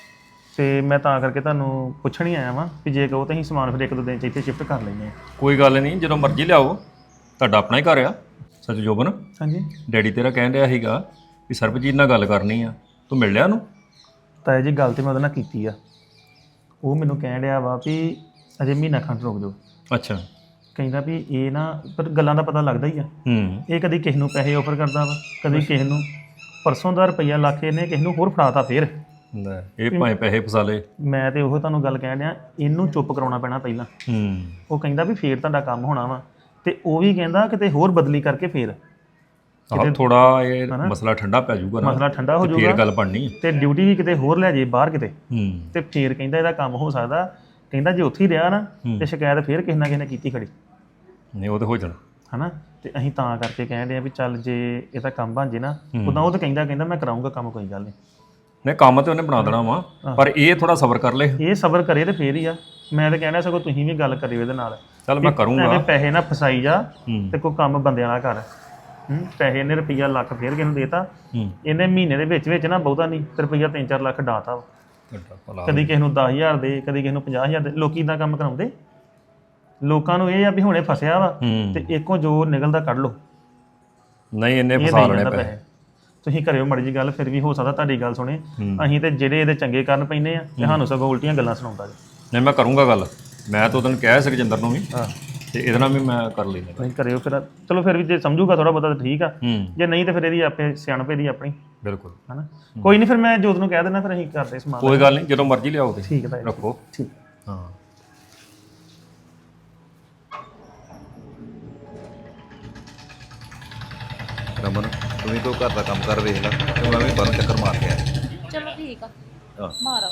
[SPEAKER 1] ਤੇ ਮੈਂ ਤਾਂ ਕਰਕੇ ਤੁਹਾਨੂੰ ਪੁੱਛਣ ਹੀ ਆਇਆ ਵਾਂ ਵੀ ਜੇ ਕਹੋ ਤਾਂ ਅਸੀਂ ਸਮਾਨ ਫਿਰ 1-2 ਦਿਨ ਚ ਇੱਥੇ ਸ਼ਿਫਟ ਕਰ ਲੈਂਦੇ ਹਾਂ।
[SPEAKER 5] ਕੋਈ ਗੱਲ ਨਹੀਂ, ਜਦੋਂ ਮਰਜ਼ੀ ਲਿਆਓ, ਤੁਹਾਡਾ ਆਪਣਾ ਹੀ ਘਰ ਆ। ਸੱਚ ਜੋਬਨ,
[SPEAKER 1] ਹਾਂਜੀ
[SPEAKER 5] ਡੈਡੀ ਤੇਰਾ ਕਹਿਣ ਰਿਹਾ ਸੀਗਾ ਵੀ ਸਰਬਜੀਤ ਨਾਲ ਗੱਲ ਕਰਨੀ ਆ, ਤੂੰ ਮਿਲ ਲਿਆ ਉਹਨੂੰ?
[SPEAKER 1] ਤਾਇਆ ਜੀ ਗੱਲ ਤੇ ਮੈਂ ਉਹਦੇ ਨਾਲ ਕੀਤੀ ਆ, ਉਹ ਮੈਨੂੰ ਕਹਿਣ ਰਿਹਾ ਵਾ ਵੀ ਅਜੇ ਮਹੀਨਾ ਖੰਡ ਰੁਕ ਜਾਓ।
[SPEAKER 5] ਅੱਛਾ।
[SPEAKER 1] ਕਹਿੰਦਾ ਵੀ ਇਹ ਨਾ, ਪਰ ਗੱਲਾਂ ਦਾ ਪਤਾ ਲੱਗਦਾ ਹੀ ਆ। ਇਹ ਕਦੀ ਕਿਸੇ ਨੂੰ ਪੈਸੇ ਆਫਰ ਕਰਦਾ ਵਾ, ਕਦੀ ਕਿਸੇ ਨੂੰ। ਪਰਸੋਂ ਦਾ ਰੁਪਈਆ ਲੱਖ ਇਹਨੇ ਕਿਸੇ ਨੂੰ ਹੋਰ ਫੜਾਤਾ ਫੇਰ।
[SPEAKER 5] ਲੈ ਇਹ ਭਾਵੇਂ ਪੈਸੇ ਫਸਾ ਲਏ।
[SPEAKER 1] ਮੈਂ ਤੇ ਉਹ ਤੁਹਾਨੂੰ ਗੱਲ ਕਹਿਣ ਡਿਆ, ਇਹਨੂੰ ਚੁੱਪ ਕਰਾਉਣਾ ਪੈਣਾ ਪਹਿਲਾਂ। ਉਹ ਕਹਿੰਦਾ ਵੀ ਫੇਰ ਤੁਹਾਡਾ ਕੰਮ ਹੋਣਾ ਵਾ, ਤੇ ਉਹ ਵੀ ਕਹਿੰਦਾ ਕਿਤੇ ਹੋਰ ਬਦਲੀ ਕਰਕੇ ਫੇਰ
[SPEAKER 5] ਆਹ ਥੋੜਾ ਇਹ ਮਸਲਾ ਠੰਡਾ ਪੈ ਜਾਊਗਾ ਨਾ,
[SPEAKER 1] ਮਸਲਾ ਠੰਡਾ ਹੋ
[SPEAKER 5] ਫੇਰ
[SPEAKER 1] ਜਾਊਗਾ,
[SPEAKER 5] ਗੱਲ ਬਣਨੀ।
[SPEAKER 1] ਤੇ ਡਿਊਟੀ ਵੀ ਕਿਤੇ ਹੋਰ ਲੈ ਜੇ ਬਾਹਰ ਕਿਤੇ, ਤੇ ਫੇਰ ਕਹਿੰਦਾ ਇਹਦਾ ਕੰਮ ਹੋ ਸਕਦਾ। ਕਹਿੰਦਾ ਜੇ ਉੱਥੇ ਹੀ ਰਿਹਾ ਨਾ ਤੇ ਸ਼ਿਕਾਇਤ ਫੇਰ ਕਿਸੇ ਨਾ ਕਿਸੇ ਨੇ ਕੀਤੀ ਖੜੀ।
[SPEAKER 5] ਨਹੀਂ ਉਹ ਤੇ ਹੋ ਜਾਣਾ
[SPEAKER 1] ਹਨਾ, ਤੇ ਅਸੀਂ ਤਾਂ ਕਰਕੇ ਕਹਿੰਦੇ ਆ ਵੀ ਚੱਲ ਜੇ ਇਹਦਾ ਕੰਮ ਬਣ ਜੇ ਨਾ, ਉਦਾਂ ਉਹ ਤਾਂ ਕਹਿੰਦਾ ਮੈਂ ਕਰਾਉਂਗਾ ਕੰਮ, ਕੋਈ ਗੱਲ ਨਹੀਂ।
[SPEAKER 5] ਨਹੀਂ ਕੰਮ ਤੇ ਉਹਨੇ ਬਣਾ ਦੇਣਾ ਵਾ, ਪਰ ਇਹ ਥੋੜਾ ਸਬਰ ਕਰ ਲੈ।
[SPEAKER 1] ਇਹ ਸਬਰ ਕਰੇ ਤੇ ਫੇਰ ਹੀ ਆ। ਮੈਂ ਤਾਂ ਕਹਿਣਾ ਸਗੋਂ ਤੁਸੀਂ ਵੀ ਗੱਲ ਕਰਿਓ ਇਹਦੇ ਨਾਲ।
[SPEAKER 5] ਚੱਲ ਮੈਂ ਕਰੂੰਗਾ।
[SPEAKER 1] ਐਵੇਂ ਪੈਸੇ ਨਾ ਫਸਾਈ ਜਾ, ਤੇ ਕੋਈ ਕੰਮ ਬੰਦਿਆਂ ਨਾਲ ਕਰ। ਪੈਸੇ ਇਹਨੇ ਰੁਪਈਆ ਲੱਖ ਫੇਰ ਕਿਸੇ ਨੂੰ ਦੇਤਾ, ਇਹਨੇ ਮਹੀਨੇ ਦੇ ਵਿੱਚ ਨਾ ਬਹੁਤਾ ਨਹੀਂ ਤੇ ਰੁਪਈਆ 3-4 ਲੱਖ ਡਾਤਾ ਵਾ। ਕਦੀ ਕਿਸੇ ਨੂੰ 10,000 ਦੇ, ਕਦੀ ਕਿਸੇ ਨੂੰ 50,000 ਦੇ। ਲੋਕੀ ਇਦਾਂ ਕੰਮ ਕਰਾਉਂਦੇ। ਲੋਕਾਂ ਨੂੰ ਇਹ ਆ ਵੀ ਹੁਣੇ ਫਸਿਆ ਵਾ ਤੇ ਇੱਕੋ ਜੋ ਨਿਕਲਦਾ ਕੱਢ ਲਓ।
[SPEAKER 5] ਨਹੀਂ ਇਹਨੇ ਫਸਾ ਲੈਣੇ ਪੈਸੇ।
[SPEAKER 1] ਤੁਸੀਂ ਕਰਿਓ ਮੜੀ ਜੀ ਗੱਲ, ਫਿਰ ਵੀ ਹੋ ਸਕਦਾ ਤੁਹਾਡੀ ਗੱਲ ਸੁਣੇ। ਅਸੀਂ ਤੇ ਜਿਹੜੇ ਇਹਦੇ ਚੰਗੇ ਕਰਨ ਪੈਂਦੇ ਆ, ਤੇ ਸਾਨੂੰ ਸਗੋਂ ਉਲਟੀਆਂ ਗੱਲਾਂ ਸੁਣਾਉਂਦਾ ਜੀ।
[SPEAKER 5] ਨਹੀਂ ਮੈਂ ਕਰੂੰਗਾ ਗੱਲ, ਮੈਂ ਤਾਂ ਉਹਨੂੰ ਕਿਹਾ ਸੁਖਜਿੰਦਰ ਨੂੰ ਵੀ ਤੇ ਇਹਦੇ ਨਾਲ ਵੀ ਮੈਂ ਕਰ ਲੈਂਦਾ।
[SPEAKER 1] ਨਹੀਂ ਕਰਿਓ ਫਿਰ, ਚਲੋ ਫਿਰ ਵੀ ਜੇ ਸਮਝੂਗਾ ਥੋੜਾ ਬਹੁਤਾ ਤਾਂ ਠੀਕ ਆ,
[SPEAKER 5] ਹੂੰ
[SPEAKER 1] ਜੇ ਨਹੀਂ ਤਾਂ ਫਿਰ ਇਹਦੀ ਆਪੇ ਸਿਆਣਪੇ ਦੀ ਆਪਣੀ,
[SPEAKER 5] ਬਿਲਕੁਲ।
[SPEAKER 1] ਹਨਾ। ਕੋਈ ਨਹੀਂ, ਫਿਰ ਮੈਂ ਜੋਤ ਨੂੰ ਕਹਿ ਦੇਣਾ, ਫਿਰ ਅਸੀਂ ਕਰਦੇ ਸਮਾਨ।
[SPEAKER 5] ਕੋਈ ਗੱਲ ਨਹੀਂ, ਜਦੋਂ ਮਰਜ਼ੀ ਲਿਆਓ ਤੇ
[SPEAKER 1] ਠੀਕ ਹੈ ਭਾਈ,
[SPEAKER 5] ਰੱਖੋ।
[SPEAKER 1] ਠੀਕ।
[SPEAKER 5] ਹਾਂ
[SPEAKER 6] ਰਮਨ ਤੂੰ ਵੀ ਕੋਈ ਘਰ ਦਾ ਕੰਮ ਕਰ ਵੇਖ ਲੈ ਤੇ ਮੈਂ ਵੀ ਬਾਹਰੋਂ ਚੱਕਰ ਮਾਰ ਕੇ ਆਇਆ।
[SPEAKER 4] ਚਲੋ ਠੀਕ ਆ,
[SPEAKER 6] ਆਹ।
[SPEAKER 4] ਮਾਰੋ।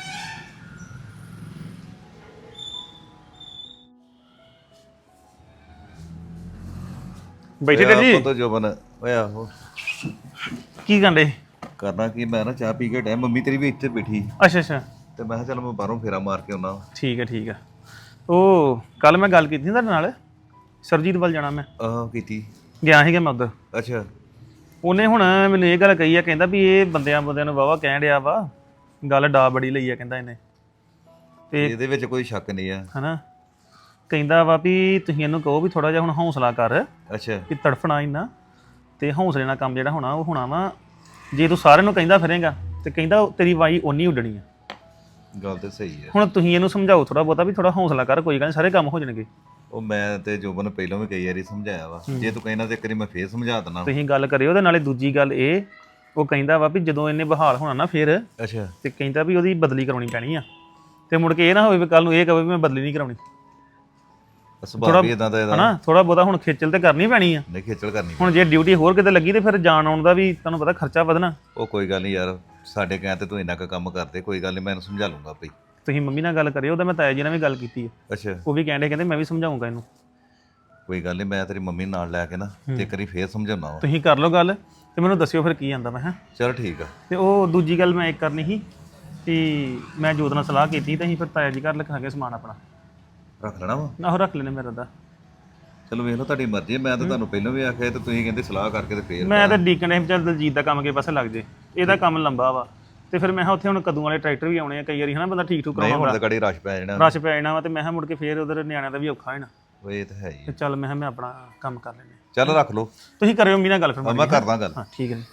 [SPEAKER 1] ਬੈਠੇ ਤੇ ਜੀ,
[SPEAKER 6] ਆਪਾਂ ਤਾਂ ਜੋਬਨ ਓਏ ਆਹੋ
[SPEAKER 1] ਕੀ ਕਹਿੰਦੇ?
[SPEAKER 6] ਕਰਨਾ ਕੀ, ਮੈਂ ਨਾ ਚਾਹ ਪੀ ਕੇ ਟਾਈਮ ਮੰਮੀ ਤੇਰੀ ਵੀ ਇੱਥੇ ਬੈਠੀ
[SPEAKER 1] ਅੱਛਾ ਅੱਛਾ,
[SPEAKER 6] ਤੇ ਮੈਂ ਕਿਹਾ ਚੱਲ ਮੈਂ ਬਾਹਰੋਂ ਫੇਰਾ ਮਾਰ ਕੇ ਆਉਣਾ।
[SPEAKER 1] ਠੀਕ ਹੈ ਠੀਕ ਹੈ। ਉਹ ਕੱਲ ਮੈਂ ਗੱਲ ਕੀਤੀ ਸੀ ਤੁਹਾਡੇ ਨਾਲ, ਸਰਜੀਤ ਵੱਲ ਜਾਣਾ ਮੈਂ,
[SPEAKER 6] ਆਹ ਕੀਤੀ।
[SPEAKER 1] ਗਿਆ ਸੀਗਾ ਮੈਂ ਉੱਧਰ।
[SPEAKER 6] ਅੱਛਾ
[SPEAKER 1] ਉਹਨੇ ਹੁਣ ਮੈਨੂੰ ਇਹ ਗੱਲ ਕਹੀ ਆ, ਕਹਿੰਦਾ ਵੀ ਇਹ ਬੰਦਿਆਂ ਨੂੰ ਵਾਵਾ ਕਹਿਣ ਡਿਆ ਵਾ, ਗੱਲ ਡਾ ਬੜੀ ਲਈ ਆ ਕਹਿੰਦਾ ਇਹਨੇ, ਤੇ
[SPEAKER 6] ਇਹਦੇ ਵਿੱਚ ਕੋਈ ਸ਼ੱਕ ਨਹੀਂ ਆ।
[SPEAKER 1] ਹਨਾ ਕਹਿੰਦਾ ਵਾ ਵੀ ਤੁਸੀਂ ਇਹਨੂੰ ਕਹੋ ਵੀ ਥੋੜਾ ਜਿਹਾ ਹੁਣ ਹੌਸਲਾ ਕਰ,
[SPEAKER 6] ਅੱਛਾ
[SPEAKER 1] ਵੀ ਤੜਫਣਾ ਇੰਨਾ, ਤੇ ਹੌਸਲੇ ਨਾਲ ਕੰਮ ਜਿਹੜਾ ਹੋਣਾ ਉਹ ਹੋਣਾ ਵਾ। ਜੇ ਤੂੰ ਸਾਰਿਆਂ ਨੂੰ ਕਹਿੰਦਾ ਫਿਰੇਗਾ ਤੇ ਕਹਿੰਦਾ ਤੇਰੀ ਵਾਈ ਓਨੀ ਉੱਡਣੀ ਆ।
[SPEAKER 6] ਗੱਲ ਤੇ ਸਹੀ ਹੈ।
[SPEAKER 1] ਹੁਣ ਤੁਸੀਂ ਇਹਨੂੰ ਸਮਝਾਓ ਥੋੜਾ ਬਹੁਤਾ ਵੀ ਥੋੜਾ ਹੌਸਲਾ ਕਰ, ਕੋਈ ਗੱਲ ਨਹੀਂ, ਸਾਰੇ ਕੰਮ ਹੋ ਜਾਣਗੇ।
[SPEAKER 6] ਉਹ ਮੈਂ ਤੇ ਜੋਬਨ ਨੂੰ ਪਹਿਲਾਂ ਵੀ ਕਈ ਵਾਰੀ ਸਮਝਾਇਆ ਵਾ, ਜੇ ਤੂੰ ਕਹਿਣਾ ਤੇ ਇੱਕ ਵਾਰੀ ਮੈਂ ਫੇਰ ਸਮਝਾ ਦਿੰਦਾ।
[SPEAKER 1] ਤੁਸੀਂ ਗੱਲ ਕਰਿਓ। ਉਹਦੇ ਨਾਲੇ ਦੂਜੀ ਗੱਲ ਇਹ, ਉਹ ਕਹਿੰਦਾ ਵਾ ਵੀ ਜਦੋਂ ਇਹਨੇ ਬਹਾਲ ਹੋਣਾ ਨਾ ਫਿਰ,
[SPEAKER 6] ਅੱਛਾ
[SPEAKER 1] ਤੇ ਕਹਿੰਦਾ ਵੀ ਉਹਦੀ ਬਦਲੀ ਕਰਾਉਣੀ ਪੈਣੀ ਆ, ਤੇ ਮੁੜ ਕੇ ਇਹ ਨਾ ਹੋਵੇ ਵੀ ਕੱਲ ਨੂੰ ਇਹ ਕਹੇ ਵੀ ਮੈਂ ਬਦਲੀ ਨਹੀਂ ਕਰਾਉਣੀ।
[SPEAKER 6] ਸੁਭਾਅ ਵੀ ਇਦਾਂ ਦਾ ਇਹਦਾ।
[SPEAKER 1] ਹਨਾ ਥੋੜਾ ਬਹੁਤਾ ਹੁਣ ਖੇਚਲ ਤੇ ਕਰਨੀ ਪੈਣੀ ਆ।
[SPEAKER 6] ਨਹੀਂ ਖੇਚਲ ਕਰਨੀ।
[SPEAKER 1] ਹੁਣ ਜੇ ਡਿਊਟੀ ਹੋਰ ਕਿਤੇ ਲੱਗੀ ਤੇ ਫਿਰ ਜਾਣ ਆਉਣ ਦਾ ਵੀ ਤੁਹਾਨੂੰ ਪਤਾ ਖਰਚਾ ਵਧਣਾ।
[SPEAKER 6] ਉਹ ਕੋਈ ਗੱਲ ਨਹੀਂ ਯਾਰ, ਸਾਡੇ ਕਹਿਣ ਤੇ ਤੂੰ ਇੰਨਾ ਕੁ ਕੰਮ ਕਰਦੇ, ਕੋਈ ਗੱਲ ਨਹੀਂ, ਮੈਂ ਇਹਨੂੰ ਸਮਝਾ ਲੂੰਗਾ ਆਪੇ।
[SPEAKER 1] ਤੁਸੀਂ ਮੰਮੀ ਨਾਲ ਗੱਲ ਕਰਿਓ, ਉਹਦਾ ਮੈਂ ਤਾਇਆ ਜੀ ਨਾਲ ਵੀ ਗੱਲ ਕੀਤੀ ਹੈ,
[SPEAKER 6] ਅੱਛਾ
[SPEAKER 1] ਉਹ ਵੀ ਕਹਿੰਦੇ ਮੈਂ ਵੀ ਸਮਝਾਉਂਗਾ ਇਹਨੂੰ।
[SPEAKER 6] ਕੋਈ ਗੱਲ ਨਹੀਂ, ਮੈਂ ਤੇਰੀ ਮੰਮੀ ਨੂੰ ਨਾਲ ਲੈ ਕੇ ਨਾ ਤੇ ਇੱਕ ਵਾਰੀ ਫੇਰ ਸਮਝਾਉਣਾ ਵਾ।
[SPEAKER 1] ਤੁਸੀਂ ਕਰ ਲਓ ਗੱਲ ਤੇ ਮੈਨੂੰ ਦੱਸਿਓ ਫਿਰ ਕੀ ਆਂਦਾ ਮੈਂ। ਹਾਂ
[SPEAKER 6] ਚਲ ਠੀਕ ਆ।
[SPEAKER 1] ਤੇ ਉਹ ਦੂਜੀ ਗੱਲ ਮੈਂ ਇੱਕ ਕਰਨੀ ਸੀ ਕਿ ਮੈਂ ਜੋਤ ਨਾਲ ਸਲਾਹ ਕੀਤੀ ਤੇ ਅਸੀਂ ਫਿਰ ਤਾਇਆ ਜੀ ਘਰ ਲਿਖਾਂਗੇ ਸਮਾਨ ਆਪਣਾ,
[SPEAKER 6] ਰੱਖ ਲੈਣਾ ਵਾ।
[SPEAKER 1] ਆਹੋ ਰੱਖ ਲੈਣੇ ਮੇਰਾ ਦਾ।
[SPEAKER 6] ਚਲੋ ਵੇਖ ਲਓ, ਤੁਹਾਡੀ ਮਰਜ਼ੀ ਹੈ। ਮੈਂ ਤਾਂ ਤੁਹਾਨੂੰ ਪਹਿਲਾਂ ਵੀ ਆਖਿਆ ਤੇ ਤੁਸੀਂ ਕਹਿੰਦੇ ਸਲਾਹ ਕਰਕੇ ਤੇ ਫੇਰ।
[SPEAKER 1] ਮੈਂ ਤਾਂ ਡੀਕਨ ਇਹ ਚੱਲ ਦਲਜੀਤ ਦਾ ਕੰਮ ਕੇ ਪਾਸੇ ਲੱਗ ਜੇ, ਇਹਦਾ ਕੰਮ ਲੰਬਾ ਵਾ, ਤੇ ਫਿਰ ਮੈਂ ਕਿਹਾ ਉੱਥੇ ਹੁਣ ਕਦੋਂ ਵਾਲੇ ਟਰੈਕਟਰ ਵੀ ਆਉਣੇ ਆ ਕਈ ਵਾਰੀ, ਹਨਾ ਬੰਦਾ ਠੀਕ ਠੂਕ
[SPEAKER 6] ਨਹੀਂ ਹੁਣ
[SPEAKER 1] ਕਰਾਉਂਦਾ,
[SPEAKER 6] ਤਾਂ ਗਾੜੀ ਰਸ਼ ਪੈ ਜਾਣਾ।
[SPEAKER 1] ਰਸ਼ ਪੈ ਜਾਣਾ ਵਾ, ਤੇ ਮੈਂ ਕਿਹਾ ਮੁੜ ਕੇ ਫੇਰ ਉਧਰ ਨਿਆਣਿਆਂ ਦਾ ਵੀ ਔਖਾ ਹੋਣਾ,
[SPEAKER 6] ਉਹ ਇਹ ਤਾਂ ਹੈ ਹੀ
[SPEAKER 1] ਤੇ
[SPEAKER 6] ਆ।
[SPEAKER 1] ਚੱਲ ਮੈਂ ਕਿਹਾ ਮੈਂ ਆਪਣਾ ਕੰਮ ਕਰ ਲੈਂਦੇ।
[SPEAKER 6] ਚੱਲ ਰੱਖ ਲਓ।
[SPEAKER 1] ਤੁਸੀਂ ਕਰਿਓ ਮੀ ਨਾਲ ਗੱਲ ਫਿਰ
[SPEAKER 6] ਮੈਂ ਕਰਦਾ ਗੱਲ।
[SPEAKER 1] ਹਾਂ ਠੀਕ ਹੈ।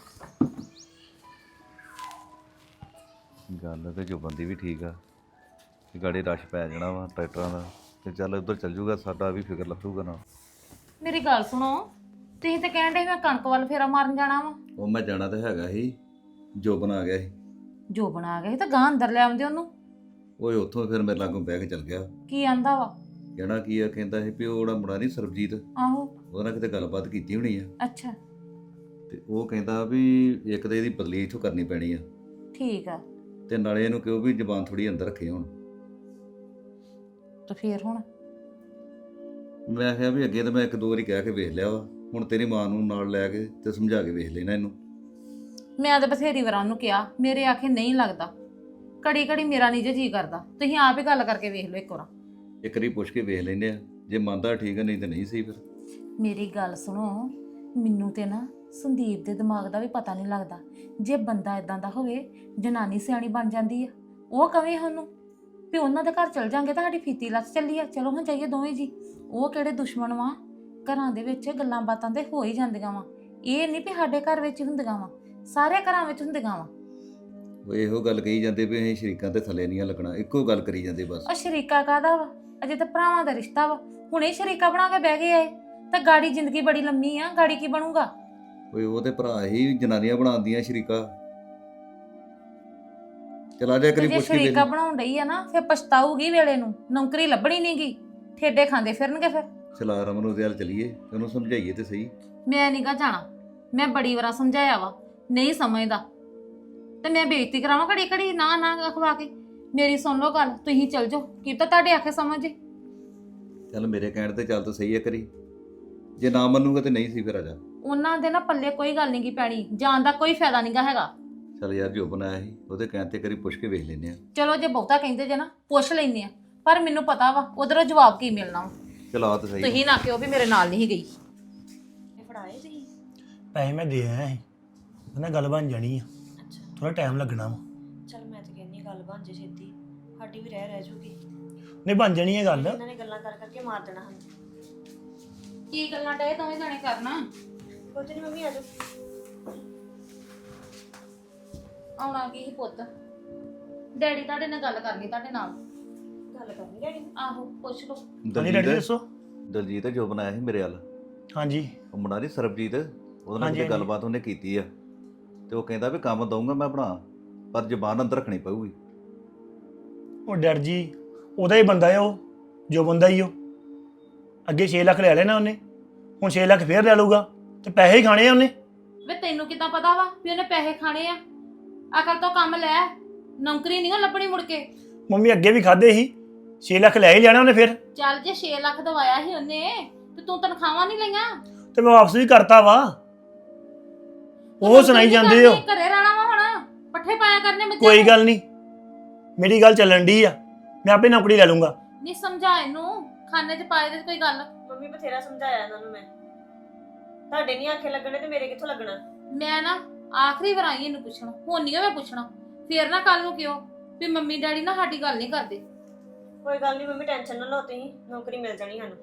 [SPEAKER 6] ਗੱਲ ਤੇ ਜੋ ਬੰਦੀ ਵੀ ਠੀਕ ਆ ਕਿ ਗਾੜੀ ਰਸ਼ ਪੈ ਜਾਣਾ ਵਾ ਟਰੈਕਟਰਾਂ ਦਾ, ਤੇ ਚੱਲ ਉੱਧਰ ਚੱਲ ਜੂਗਾ, ਸਾਡਾ ਵੀ ਫਿਕਰ ਲੱਗੂਗਾ ਨਾ।
[SPEAKER 4] ਮੇਰੀ ਗੱਲ ਸੁਣੋ, ਤੁਸੀਂ ਤਾਂ ਕਹਿਣ ਡੇ ਮੈਂ ਕਣਕ ਵੱਲ ਫੇਰਾ ਮਾਰਨ ਜਾਣਾ ਵਾ।
[SPEAKER 6] ਉਹ ਮੈਂ ਜਾਣਾ ਤੇ ਹੈਗਾ ਸੀ, ਜੋਬਨ ਆ ਗਿਆ ਸੀ।
[SPEAKER 4] ਜੋ ਬਣਾ ਗਏ ਤਾਂ ਗਾਂ ਅੰਦਰ ਲੈ ਆਉਂਦੇ ਉਹਨੂੰ।
[SPEAKER 6] ਓਏ ਉੱਥੋਂ ਫਿਰ ਮੇਰੇ ਲਾਗੋਂ ਬਹਿ ਕੇ ਚੱਲ ਗਿਆ।
[SPEAKER 4] ਕੀ ਆਂਦਾ ਵਾ?
[SPEAKER 6] ਕਹਿਣਾ ਕੀ ਆ, ਕਹਿੰਦਾ ਸੀ ਵੀ ਉਹ ਜਿਹੜਾ ਮੁੰਡਾ ਨਹੀਂ ਸਰਬਜੀਤ,
[SPEAKER 4] ਆਹੋ
[SPEAKER 6] ਉਹਦੇ ਨਾਲ ਕਿਤੇ ਗੱਲਬਾਤ ਕੀਤੀ ਹੋਣੀ ਆ,
[SPEAKER 4] ਅੱਛਾ
[SPEAKER 6] ਤੇ ਉਹ ਕਹਿੰਦਾ ਵੀ ਇੱਕ ਤੇ ਇਹਦੀ ਬਦਲੀ ਇੱਥੋਂ ਕਰਨੀ ਪੈਣੀ ਆ,
[SPEAKER 4] ਠੀਕ ਆ।
[SPEAKER 6] ਤੇ ਨਾਲੇ ਇਹਨੂੰ ਕਿਉਂ ਵੀ ਜ਼ਬਾਨ ਥੋੜੀ ਅੰਦਰ ਰੱਖੇ ਹੁਣ।
[SPEAKER 4] ਤੇ ਫੇਰ ਹੁਣ
[SPEAKER 6] ਮੈਂ ਕਿਹਾ ਵੀ ਅੱਗੇ ਤਾਂ ਮੈਂ ਇੱਕ ਦੋ ਵਾਰੀ ਕਹਿ ਕੇ ਵੇਖ ਲਿਆ ਵਾ, ਹੁਣ ਤੇਰੀ ਮਾਂ ਨੂੰ ਨਾਲ ਲੈ ਕੇ ਤੇ ਸਮਝਾ ਕੇ ਵੇਖ ਲੈਣਾ ਇਹਨੂੰ।
[SPEAKER 4] ਮੈਂ ਤਾਂ ਬਥੇਰੀ ਵਾਰਾਂ ਨੂੰ ਕਿਹਾ, ਮੇਰੇ ਆਖੇ ਨਹੀਂ ਲੱਗਦਾ, ਘੜੀ ਘੜੀ ਮੇਰਾ ਨਹੀਂ ਜੀ ਕਰਦਾ। ਤੁਸੀਂ ਆਪ ਹੀ ਗੱਲ ਕਰਕੇ ਵੇਖ ਲਓ ਇੱਕ ਵਾਰ।
[SPEAKER 6] ਇੱਕ ਵਾਰੀ ਪੁੱਛ ਕੇ ਵੇਖ ਲੈਂਦੇ ਆ, ਜੇ ਮੰਨਦਾ ਠੀਕ ਆ, ਨਹੀਂ ਤੇ ਨਹੀਂ ਸਹੀ ਫਿਰ।
[SPEAKER 4] ਮੇਰੀ ਗੱਲ ਸੁਣੋ, ਮੈਨੂੰ ਤੇ ਨਾ ਸੰਦੀਪ ਦੇ ਦਿਮਾਗ ਦਾ ਵੀ ਪਤਾ ਨਹੀਂ ਲੱਗਦਾ। ਜੇ ਬੰਦਾ ਇਦਾਂ ਦਾ ਹੋਵੇ, ਜਨਾਨੀ ਸਿਆਣੀ ਬਣ ਜਾਂਦੀ ਆ। ਉਹ ਕਵੇ ਉਹਨੂੰ ਵੀ ਉਹਨਾਂ ਦੇ ਘਰ ਚਲ ਜਾਂਗੇ ਤਾਂ ਸਾਡੀ ਫੀਤੀ ਲੱਥ ਚੱਲੀ ਆ, ਚਲੋ ਹਾਂ ਜਾਈਏ ਦੋਵੇਂ ਜੀ। ਉਹ ਕਿਹੜੇ ਦੁਸ਼ਮਣ ਵਾ, ਘਰਾਂ ਦੇ ਵਿੱਚ ਗੱਲਾਂ ਬਾਤਾਂ ਤੇ ਹੋ ਹੀ ਜਾਂਦੀਆਂ ਵਾ। ਇਹ ਨਹੀਂ ਵੀ ਸਾਡੇ ਘਰ ਵਿੱਚ ਹੀ ਹੁੰਦੀਆਂ ਵਾ, ਸਾਰੇ ਘਰਾਂ ਵਿੱਚ ਹੁੰਦੀਆਂ ਵਾ।
[SPEAKER 6] ਉਹ ਇਹੋ ਗੱਲ ਕਹੀ ਜਾਂਦੇ ਵੀ ਅਸੀਂ ਸ਼ਰੀਕਾਂ ਤੇ ਥੱਲੇ ਨਹੀਂ ਲੱਗਣਾ, ਇੱਕੋ ਗੱਲ ਕਰੀ ਜਾਂਦੇ ਬਸ।
[SPEAKER 4] ਉਹ ਸ਼ਰੀਕਾ ਕਾਹਦਾ ਵਾ, ਅਜੇ ਤਾਂ ਭਰਾਵਾਂ ਦਾ ਰਿਸ਼ਤਾ ਵਾ। ਹੁਣੇ ਸ਼ਰੀਕਾ ਬਣਾ ਕੇ ਬਹਿ ਗਏ ਆਏ ਤਾਂ ਗਾੜੀ ਜ਼ਿੰਦਗੀ ਬੜੀ ਲੰਮੀ ਆ, ਗਾੜੀ ਕੀ ਬਣੂਗਾ?
[SPEAKER 6] ਓਏ ਉਹ ਤੇ ਭਰਾ ਹੀ ਜਨਾਨੀਆਂ ਬਣਾਉਂਦੀਆਂ ਸ਼ਰੀਕਾ। ਚਲਾ ਜਾ ਕਰੀ
[SPEAKER 4] ਜੇ
[SPEAKER 6] ਪੁੱਛ ਕੇ
[SPEAKER 4] ਸ਼ਰੀਕਾ
[SPEAKER 6] ਵੇਖ।
[SPEAKER 4] ਬਣਾਉਣ ਡਈ ਆ ਨਾ, ਫਿਰ ਪਛਤਾਊਗੀ ਵੇਲੇ ਨੂੰ, ਨੌਕਰੀ ਲੱਭਣੀ ਨਹੀਂਗੀ, ਠੇਡੇ ਖਾਂਦੇ ਫਿਰਨਗੇ ਫਿਰ।
[SPEAKER 6] ਚਲਾ ਰਮਨ ਉਹਦੇ ਹਾਲ ਚਲੀਏ, ਉਹਨੂੰ ਸਮਝਾਈਏ ਤੇ ਸਹੀ।
[SPEAKER 4] ਮੈਂ ਨੀਗਾ ਜਾਣਾ, ਮੈਂ ਬੜੀ ਵਾਰ ਸਮਝਾਇਆ ਵਾ, ਨਹੀਂ ਸਮਝਦਾ ਤੇ ਮੈਂ ਬੇਇੱਜ਼ਤੀ ਕਰਾਵਾਂ ਘੜੀ ਘੜੀ ਨਾ ਨਾ ਅਖਵਾ ਕੇ। ਮੇਰੀ ਸੁਣ ਲਓ ਗੱਲ, ਤੁਸੀਂ ਚਲ ਜਾਓ, ਕੀ ਤਾਂ ਤੁਹਾਡੇ ਆਖੇ ਸਮਝ ਜੇ।
[SPEAKER 6] ਚੱਲ ਮੇਰੇ ਕਹਿਣ ਤੇ ਚੱਲ ਤਾਂ ਸਹੀ ਹੈ ਕਰੀ, ਜੇ ਨਾ ਮੰਨੂਗਾ ਤੇ ਨਹੀਂ ਸੀ ਫਿਰ ਆ ਜਾ।
[SPEAKER 4] ਉਹਨਾਂ ਦੇ ਨਾ ਪੱਲੇ ਕੋਈ ਗੱਲ ਨਹੀਂ ਗੀ ਪੈਣੀ, ਜਾਣ ਦਾ ਕੋਈ ਫਾਇਦਾ ਨਹੀਂਗਾ ਹੈਗਾ।
[SPEAKER 6] ਚੱਲ ਯਾਰ ਜੋ ਬਣਾਇਆ ਸੀ ਉਹਦੇ ਕਹਿਣ ਤੇ ਕਰੀ ਪੁੱਛ ਕੇ ਵੇਖ ਲੈਂਦੇ ਆ।
[SPEAKER 4] ਚਲੋ ਜੇ ਬਹੁਤਾ ਕਹਿੰਦੇ ਜੇ ਨਾ, ਪੁੱਛ ਲੈਂਦੇ ਆ, ਪਰ ਮੈਨੂੰ ਪਤਾ ਵਾ ਉਧਰੋਂ ਜਵਾਬ ਕੀ ਮਿਲਣਾ ਵਾ।
[SPEAKER 6] ਚਲ ਆ ਤਾਂ ਸਹੀ।
[SPEAKER 4] ਤੁਸੀਂ ਨਾ ਕਿਉਂ ਵੀ ਮੇਰੇ ਨਾਲ ਨਹੀਂ ਗਈ।
[SPEAKER 7] ਫੜਾਏ ਤੁਸੀਂ?
[SPEAKER 8] ਪੈਸੇ ਮੈਂ ਦੇ ਆਇਆ ਸੀ, ਉਹਨੇ ਗੱਲ ਬਣ ਜਾਣੀ ਆ,
[SPEAKER 7] ਅੱਛਾ
[SPEAKER 8] ਥੋੜਾ ਟਾਈਮ ਲੱਗਣਾ ਵਾ।
[SPEAKER 7] ਚਲ ਮੈਂ ਤਾਂ ਕਹਿੰਦੀ ਗੱਲ ਬਣ ਜੇ ਛੇਤੀ, ਸਾਡੀ ਵੀ ਰਹਿ ਜੂਗੀ।
[SPEAKER 8] ਨਹੀਂ ਬਣ ਜਾਣੀ ਹੈ ਗੱਲ।
[SPEAKER 7] ਇਹਨਾਂ ਨੇ ਗੱਲਾਂ ਕਰ ਕਰਕੇ ਮਾਰ ਦੇਣਾ ਹਨ।
[SPEAKER 4] ਕੀ ਗੱਲਾਂ ਡਏ ਦੋਵੇਂ ਜਾਣੇ ਕਰਨਾ?
[SPEAKER 7] ਕੁਝ ਨਹੀਂ ਮੰਮੀ, ਆ ਜਾਓ।
[SPEAKER 4] ਆਉਣਾ ਕੀ ਸੀ ਪੁੱਤ, ਡੈਡੀ ਤੁਹਾਡੇ ਨਾਲ ਗੱਲ ਕਰਨੀ ਤੁਹਾਡੇ ਨਾਲ।
[SPEAKER 7] ਗੱਲ ਕਰਨੀ ਡੈਡੀ ਨਾਲ?
[SPEAKER 4] ਆਹੋ ਪੁੱਛ ਲਓ।
[SPEAKER 8] ਹਾਂਜੀ ਡੈਡੀ ਦੱਸੋ।
[SPEAKER 6] ਦਲਜੀਤ ਜੋ ਬਣਾਇਆ ਸੀ ਮੇਰੇ ਵੱਲ,
[SPEAKER 8] ਹਾਂਜੀ
[SPEAKER 6] ਉਹ ਮੁੰਡਾ ਨਹੀਂ ਸਰਬਜੀਤ, ਉਹਦੇ ਨਾਲ
[SPEAKER 8] ਹਾਂਜੀ,
[SPEAKER 6] ਜਿਹੜੀ
[SPEAKER 8] ਹਾਂਜੀ।
[SPEAKER 6] ਗੱਲਬਾਤ ਉਹਨੇ ਕੀਤੀ ਆ, ਤੇ ਉਹ ਕਹਿੰਦਾ ਵੀ ਕੰਮ ਦਊਂਗਾ ਮੈਂ ਬਣਾ, ਪਰ ਜ਼ਬਾਨ ਅੰਦਰ ਰੱਖਣੀ ਪਊਗੀ।
[SPEAKER 8] ਉਹ ਡਰ ਜੀ ਉਹਦਾ ਹੀ ਬੰਦਾ ਹੈ, ਉਹ ਜੋ ਬੰਦਾ ਹੀ ਉਹ ਅੱਗੇ 6 ਲੱਖ ਲੈ ਲੈਣਾ ਉਹਨੇ, ਹੁਣ 6 ਲੱਖ ਫੇਰ ਲੈ ਲਊਗਾ ਤੇ ਪੈਸੇ ਹੀ ਖਾਣੇ ਆ ਉਹਨੇ।
[SPEAKER 4] ਵੇ ਤੈਨੂੰ ਕਿੱਦਾਂ ਪਤਾ ਵਾ ਵੀ ਉਹਨੇ ਪੈਸੇ ਖਾਣੇ ਆ? ਅਕਲ ਤੋਂ ਕੰਮ ਲੈ, ਨੌਕਰੀ ਨਹੀਂ ਲੱਭਣੀ ਮੁੜ ਕੇ।
[SPEAKER 8] ਮੰਮੀ ਅੱਗੇ ਵੀ ਖਾਦੇ ਸੀ, 6 ਲੱਖ ਲੈ ਹੀ ਲੈਣਾ ਉਹਨੇ ਫਿਰ,
[SPEAKER 4] ਚੱਲ ਜੇ 6 ਲੱਖ ਦਵਾਇਆ ਸੀ ਉਹਨੇ ਤੇ ਤੂੰ ਤਨਖਾਹਾਂ ਨਹੀਂ ਲਈਆਂ?
[SPEAKER 8] ਤੇ ਮੈਂ ਵਾਪਸ ਵੀ ਕਰਤਾ ਵਾ। ਉਹ ਸੁਣਾਈ ਜਾਂਦੇ ਹੋ।
[SPEAKER 4] ਘਰੇ ਰਹਿਣਾ ਵਾ ਹੁਣ, ਪੱਠੇ ਪਾਇਆ ਕਰਨੇ ਬੱਚੇ
[SPEAKER 8] ਕੋਈ ਗੱਲ ਨਹੀਂ, ਮੇਰੀ ਗੱਲ ਚੱਲਣ ਦੀ ਆ, ਮੈਂ ਆਪੇ ਨੌਕਰੀ ਲੈ ਲੂੰਗਾ।
[SPEAKER 4] ਨਹੀਂ ਸਮਝਾ ਇਹਨੂੰ, ਖਾਨੇ 'ਚ ਪਾਏ ਦੇ ਕੋਈ ਗੱਲ।
[SPEAKER 7] ਮੰਮੀ ਬਥੇਰਾ ਸਮਝਾਇਆ ਇਹਨਾਂ ਨੂੰ ਮੈਂ, ਤੁਹਾਡੇ ਨਹੀਂ ਆਖੇ ਲੱਗਣੇ ਤੇ ਮੇਰੇ ਕਿੱਥੋਂ ਲੱਗਣਾ।
[SPEAKER 4] ਮੈਂ ਨਾ ਆਖਰੀ ਵਾਰ ਆਈ ਇਹਨੂੰ ਪੁੱਛਣ, ਹੁਣ ਨਹੀਂ ਮੈਂ ਪੁੱਛਣਾ। ਫੇਰ ਨਾ ਕੱਲ ਨੂੰ ਕਿਉਂ ਵੀ ਮੰਮੀ ਡੈਡੀ ਨਾ ਸਾਡੀ ਗੱਲ ਨਹੀਂ ਕਰਦੇ।
[SPEAKER 7] ਕੋਈ ਗੱਲ ਨਹੀਂ ਮੰਮੀ, ਟੈਨਸ਼ਨ ਨਾ ਲਓ ਤੁਸੀਂ, ਨੌਕਰੀ ਮਿਲ ਜਾਣੀ ਸਾਨੂੰ।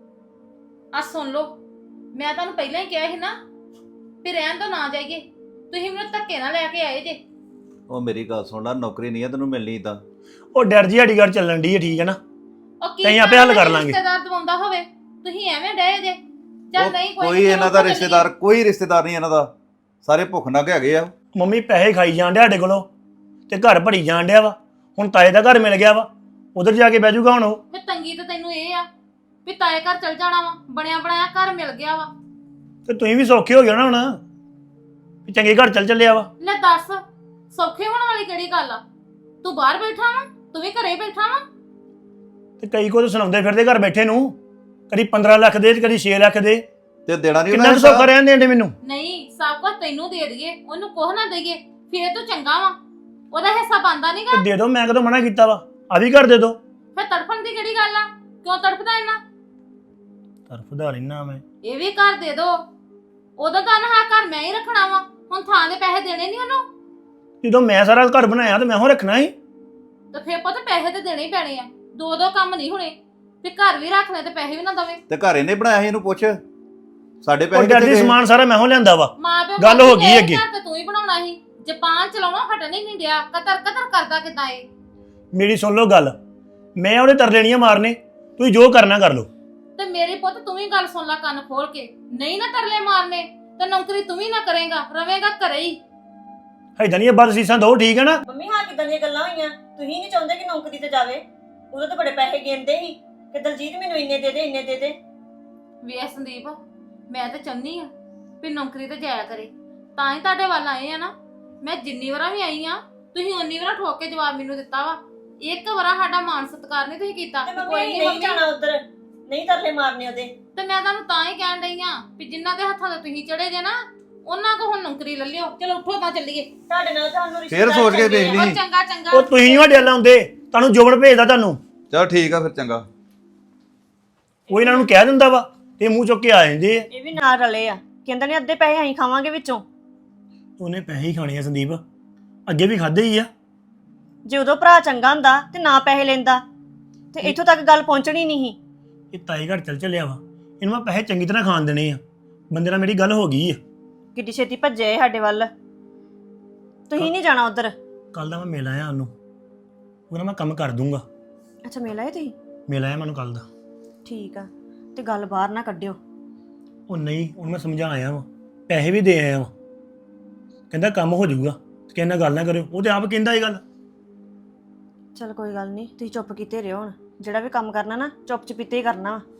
[SPEAKER 4] ਆ ਸੁਣ ਲਓ, ਮੈਂ ਤੁਹਾਨੂੰ ਪਹਿਲਾਂ ਹੀ ਕਿਹਾ ਸੀ ਨਾ ਵੀ ਰਹਿਣ ਤੋਂ ਨਾ ਜਾਈਏ, ਤੁਸੀਂ ਮੈਨੂੰ ਧੱਕੇ ਨਾਲ ਲੈ ਕੇ ਆਏ ਜੇ।
[SPEAKER 6] ਉਹ ਮੇਰੀ ਗੱਲ ਸੁਣ ਲੈ, ਨੌਕਰੀ ਨਹੀਂ ਆ ਤੈਨੂੰ ਮਿਲਣੀ ਤਾਂ।
[SPEAKER 8] ਉਹ ਡਰ ਜੀ ਸਾਡੀ ਗੱਲ ਚੱਲਣ ਦੀ ਹੈ, ਠੀਕ ਹੈ ਨਾ?
[SPEAKER 4] ਉਹ ਕੀ
[SPEAKER 8] ਅਸੀਂ ਆਪੇ ਹੱਲ ਕਰ ਲਾਂਗੇ।
[SPEAKER 4] ਰਿਸ਼ਤੇਦਾਰ ਦਵਾਉਂਦਾ ਹੋਵੇ, ਤੁਸੀਂ ਐਵੇਂ ਡਏ ਜੇ। ਚੱਲ ਨਹੀਂ
[SPEAKER 6] ਕੋਈ ਇਹਨਾਂ ਦਾ ਰਿਸ਼ਤੇਦਾਰ, ਕੋਈ ਰਿਸ਼ਤੇਦਾਰ ਨਹੀਂ ਇਹਨਾਂ ਦਾ, ਸਾਰੇ ਭੁੱਖ ਨੰਗ ਹੈਗੇ ਆ।
[SPEAKER 8] ਮੰਮੀ ਪੈਸੇ ਖਾਈ ਜਾਣ ਡਿਆ ਸਾਡੇ ਕੋਲੋਂ ਤੇ ਘਰ ਭਰੀ ਜਾਣ ਡਿਆ ਵਾ। ਹੁਣ ਤਾਏ ਦਾ ਘਰ ਮਿਲ ਗਿਆ ਵਾ, ਉਧਰ ਜਾ ਕੇ ਬਹਿ ਜਾਊਗਾ ਹੁਣ ਉਹ।
[SPEAKER 4] ਫੇ ਤੰਗੀ ਤਾਂ ਤੈਨੂੰ ਇਹ ਆ ਵੀ ਤਾਏ ਘਰ ਚਲ ਜਾਣਾ ਵਾ, ਬਣਿਆ ਬਣਾਇਆ ਘਰ ਮਿਲ ਗਿਆ ਵਾ।
[SPEAKER 8] ਤੇ ਤੁਸੀਂ ਵੀ ਸੌਖੇ ਹੋ ਗਏ ਨਾ ਹੁਣ, ਵੀ ਚੰਗੇ ਘਰ ਚੱਲ ਚੱਲਿਆ ਵਾ।
[SPEAKER 4] ਲੈ ਦੱਸ, ਸੌਖੇ ਹੋਣ ਵਾਲੀ ਕਿਹੜੀ ਗੱਲ ਆ? ਤੂੰ ਬਾਹਰ ਬੈਠਾ ਵਾ, ਤੂੰ ਵੀ ਘਰੇ ਬੈਠਾ ਵਾ।
[SPEAKER 8] ਤੇ ਕਈ ਕੋ ਤਾਂ ਸੁਣਾਉਂਦੇ ਫਿਰਦੇ ਘਰ ਬੈਠੇ ਨੂੰ, ਕਦੀ 15 ਲੱਖ ਦੇ ਤੇ ਕਦੀ 6 ਲੱਖ ਦੇ।
[SPEAKER 6] ਤੇ ਦੇਣਾ ਨਹੀਂ
[SPEAKER 8] ਕਿੰਨਾ ਕੁ ਸੌਖਾ ਰਹਿਣ ਦੇਂਦੇ ਮੈਨੂੰ।
[SPEAKER 4] ਨਹੀਂ, ਸਭ ਕੁਝ ਤੈਨੂੰ ਦੇ ਦਈਏ, ਉਹਨੂੰ ਕੁਝ ਨਾ ਦਈਏ, ਫੇਰ ਤੂੰ ਚੰਗਾ ਵਾ। ਉਹਦਾ ਹਿੱਸਾ ਬੰਦਾ ਨਹੀਂਗਾ।
[SPEAKER 8] ਤੇ ਦੇ ਦੋ, ਮੈਂ ਕਦੋਂ ਮਨਾ ਕੀਤਾ ਵਾ? ਆ ਵੀ ਘਰ ਦੇ ਦੋ।
[SPEAKER 4] ਫੇ ਤੜਫਣ ਦੀ ਕਿਹੜੀ ਗੱਲ ਆ? ਕਿਉਂ ਤੜਫਦਾ ਇੰਨਾ?
[SPEAKER 8] ਤਰਫਦਾ ਰਹਿਣਾ ਮੈਂ।
[SPEAKER 4] ਇਹ ਵੀ ਘਰ ਦੇ ਦੋ। ਉਦੋਂ ਤਾਂ ਨਾ ਘਰ ਮੈਂ ਹੀ ਰੱਖਣਾ ਵਾ, ਹੁਣ ਥਾਂ ਦੇ ਪੈਸੇ ਦੇਣੇ ਨਹੀਂ ਉਹਨੂੰ।
[SPEAKER 8] ਜਦੋਂ ਮੈਂ ਸਾਰਾ ਘਰ ਬਣਾਇਆ ਤੇ ਮੈਂ ਹੋ ਰੱਖਣਾ ਸੀ।
[SPEAKER 4] ਤੇ ਫੇਰ ਪਤਾ ਪੈਸੇ ਤੇ ਦੇਣੇ ਹੀ ਪੈਣੇ ਆ, ਦੋ ਕੰਮ ਨਹੀਂ ਹੋਣੇ। ਤੇ ਘਰ ਵੀ ਰੱਖ ਲੈ ਤੇ ਪੈਸੇ ਵੀ ਨਾ ਦਵੇ।
[SPEAKER 6] ਤੇ ਘਰ ਇਹਨੇ ਬਣਾਇਆ ਸੀ, ਇਹਨੂੰ ਪੁੱਛ। ਸਾਡੇ
[SPEAKER 8] ਉਹ
[SPEAKER 6] ਪੈਸੇ
[SPEAKER 8] ਡਰ
[SPEAKER 6] ਕਿੱਥੇ
[SPEAKER 8] ਜੀ
[SPEAKER 6] ਗਏ?
[SPEAKER 8] ਸਮਾਨ ਸਾਰਾ ਮੈਂ ਹੋ ਲਿਆਂਦਾ ਵਾ।
[SPEAKER 4] ਮਾਂ ਪਿਓ
[SPEAKER 8] ਗੱਲ ਹੋ ਗਈ
[SPEAKER 4] ਘਰ
[SPEAKER 8] ਅੱਗੇ।
[SPEAKER 4] ਤੇ ਤੂੰ ਹੀ ਬਣਾਉਣਾ ਸੀ। ਜ਼ਬਾਨ ਚਲਾਉਣਾ ਹਟਣ ਹੀ ਨਹੀਂ ਡਿਆ, ਕਤਰ ਕਤਰ ਕਰਦਾ ਕਿਦਾਂ ਏ।
[SPEAKER 8] ਮੇਰੀ ਸੁਣ ਲਓ ਗੱਲ, ਮੈਂ ਉਹਦੇ ਤਰਲੇ ਨਹੀਂ ਮਾਰਨੇ, ਤੁਸੀਂ ਜੋ ਕਰਨਾ ਕਰ ਲਓ।
[SPEAKER 4] ਤੇ ਮੇਰੇ ਪੁੱਤ ਤੂੰ ਵੀ ਗੱਲ ਸੁਣ ਲੈ ਕੰਨ ਖੋਲ ਕੇ, ਨਹੀਂ ਨਾ ਤਰਲੇ ਮਾਰਨੇ ਤੇ ਨੌਕਰੀ ਤੂੰ ਵੀ ਨਾ ਕਰੇਗਾ, ਰਵੇਂਗਾ ਘਰੇ ਹੀ।
[SPEAKER 8] ਏਦਾਂ ਨਹੀਂ ਬਦ ਸੀਸਾਂ ਦੋ, ਠੀਕ ਹੈ ਨਾ?
[SPEAKER 7] ਮੰਮੀ ਹਾਂ ਕਿਦਾਂ ਦੀਆਂ ਗੱਲਾਂ ਹੋਈਆਂ? ਤੁਸੀਂ ਨਹੀਂ ਚਾਹੁੰਦੇ ਕਿ ਨੌਕਰੀ ਤੇ ਜਾਵੇ? ਉਦੋਂ ਤਾਂ ਬੜੇ ਪੈਸੇ ਗਿਣਦੇ ਸੀ ਕਿ ਦਲਜੀਤ ਮੈਨੂੰ ਇੰਨੇ ਦੇ ਦੇ, ਇੰਨੇ ਦੇ ਦੇ।
[SPEAKER 4] ਵੇ ਸੰਦੀਪ, ਮੈਂ ਤਾਂ ਚਾਹੁੰਦੀ ਆ ਵੀ ਨੌਕਰੀ ਤੇ ਜਾਇਆ ਕਰੇ, ਤਾਂ ਹੀ ਤੁਹਾਡੇ ਵੱਲ ਆਏ ਆ ਨਾ। ਮੈਂ ਜਿੰਨੀ ਵਾਰਾਂ ਵੀ ਆਈ ਆ, ਤੁਸੀਂ ਉਨੀ ਵਾਰਾਂ ਠੋਕ ਕੇ ਜਵਾਬ ਮੈਨੂੰ ਦਿੱਤਾ ਵਾ। ਇੱਕ ਵਾਰਾ ਸਾਡਾ ਮਾਨ ਸਤਿਕਾਰ ਨਹੀਂ ਤੁਸੀਂ ਕੀਤਾ।
[SPEAKER 7] ਤੇ ਮੰਮੀ
[SPEAKER 4] ਕੋਈ
[SPEAKER 7] ਅਸੀਂ
[SPEAKER 4] ਨਹੀਂ
[SPEAKER 7] ਨਹੀਂ ਜਾਣਾ ਉਧਰ, ਨਹੀਂ ਤਰਲੇ ਮਾਰਨੇ ਉਹਦੇ।
[SPEAKER 4] ਤੇ ਮੈਂ ਤੁਹਾਨੂੰ ਤਾਂ ਹੀ ਕਹਿਣ ਡਈ ਆ ਵੀ ਜਿਨ੍ਹਾਂ ਦੇ ਹੱਥਾਂ ਤੇ ਤੁਸੀਂ ਚੜੇ ਜੇ ਨਾ, ਉਹਨਾਂ ਕੋ ਹੁਣ ਨੌਕਰੀ ਲੈ ਲਿਓ। ਚਲੋ ਉੱਠੋ ਤਾਂ ਚੱਲੀਏ।
[SPEAKER 7] ਤੁਹਾਡੇ ਨਾਲ ਤੁਹਾਨੂੰ
[SPEAKER 6] ਫੇਰ ਸੋਚ ਕੇ ਦੇਖ
[SPEAKER 4] ਉਹ
[SPEAKER 6] ਲਈ।
[SPEAKER 4] ਚੰਗਾ ਚੰਗਾ।
[SPEAKER 8] ਉਹ ਤੁਸੀਂ ਨਹੀਂ ਵੱਡੇ ਲਾਉਂਦੇ, ਤੁਹਾਨੂੰ ਜੋਬਨ ਭੇਜਦਾ ਤੁਹਾਨੂੰ।
[SPEAKER 6] ਚਲ ਠੀਕ ਆ ਫਿਰ, ਚੰਗਾ।
[SPEAKER 8] ਉਹ ਇਹਨਾਂ ਨੂੰ ਕਹਿ ਦਿੰਦਾ ਵਾ ਤੇ ਮੂੰਹ ਚੁੱਕ ਕੇ ਆ ਜਾਂਦੇ ਆ।
[SPEAKER 7] ਇਹ ਵੀ ਨਾਲ ਰਲੇ ਆ, ਕਹਿੰਦੇ ਨੇ ਅੱਧੇ ਪੈਸੇ ਅਸੀਂ ਖਾਵਾਂਗੇ ਵਿੱਚੋਂ।
[SPEAKER 8] ਉਹਨੇ ਪੈਸੇ ਹੀ ਖਾਣੇ ਆ ਸੰਦੀਪ, ਅੱਗੇ ਵੀ ਖਾਦੇ ਹੀ ਆ।
[SPEAKER 7] ਜੇ ਉਦੋਂ ਭਰਾ ਚੰਗਾ ਹੁੰਦਾ ਤੇ ਨਾ ਪੈਸੇ ਲੈਂਦਾ ਤੇ ਇੱਥੋਂ ਤੱਕ ਗੱਲ ਪਹੁੰਚਣੀ ਨਹੀਂ ਸੀ।
[SPEAKER 8] ਇਹ ਤਾਈ ਘਰ ਚੱਲ ਚੱਲਿਆ ਵਾ, ਇਹਨੂੰ ਮੈਂ ਪੈਸੇ ਚੰਗੀ ਤਰ੍ਹਾਂ ਖਾਣ ਦੇਣੇ ਆ। ਬੰਦੇ ਨਾਲ ਮੇਰੀ ਗੱਲ ਹੋ ਗਈ ਆ।
[SPEAKER 7] ਕਿੱਡੀ ਛੇਤੀ ਭੱਜੇ ਸਾਡੇ ਵੱਲ। ਤੁਸੀਂ ਨਹੀਂ ਜਾਣਾ ਉਧਰ।
[SPEAKER 8] ਕੱਲ ਦਾ ਮੈਂ ਮਿਲ ਆਇਆ ਉਹਨੂੰ, ਉਹਦਾ ਮੈਂ ਕੰਮ ਕਰ ਦੂੰਗਾ।
[SPEAKER 7] ਅੱਛਾ ਮਿਲ ਆਏ ਤੁਸੀਂ?
[SPEAKER 8] ਮਿਲ ਆਇਆ ਮੈਨੂੰ ਕੱਲ ਦਾ।
[SPEAKER 7] ਠੀਕ ਆ, ਤੇ ਗੱਲ ਬਾਹਰ ਨਾ ਕੱਢਿਓ।
[SPEAKER 8] ਉਹ ਨਹੀਂ, ਉਹਨੂੰ ਮੈਂ ਸਮਝਾ ਆਇਆ ਵਾ, ਪੈਸੇ ਵੀ ਦੇ ਆਇਆ ਵਾ। ਕਹਿੰਦਾ ਕੰਮ ਹੋ ਜਾਊਗਾ, ਕਿਸੇ ਨਾਲ ਗੱਲ ਨਾ ਕਰਿਓ। ਉਹ ਤੇ ਆਪ ਕਹਿੰਦਾ ਇਹ ਗੱਲ।
[SPEAKER 7] ਚਲ ਕੋਈ ਗੱਲ ਨਹੀਂ, ਤੁਸੀਂ ਚੁੱਪ ਕੀਤੇ ਰਹੋ। ਹੁਣ ਜਿਹੜਾ ਵੀ ਕੰਮ ਕਰਨਾ ਨਾ ਚੁੱਪ ਚਪੀਤੇ ਹੀ ਕਰਨਾ ਵਾ।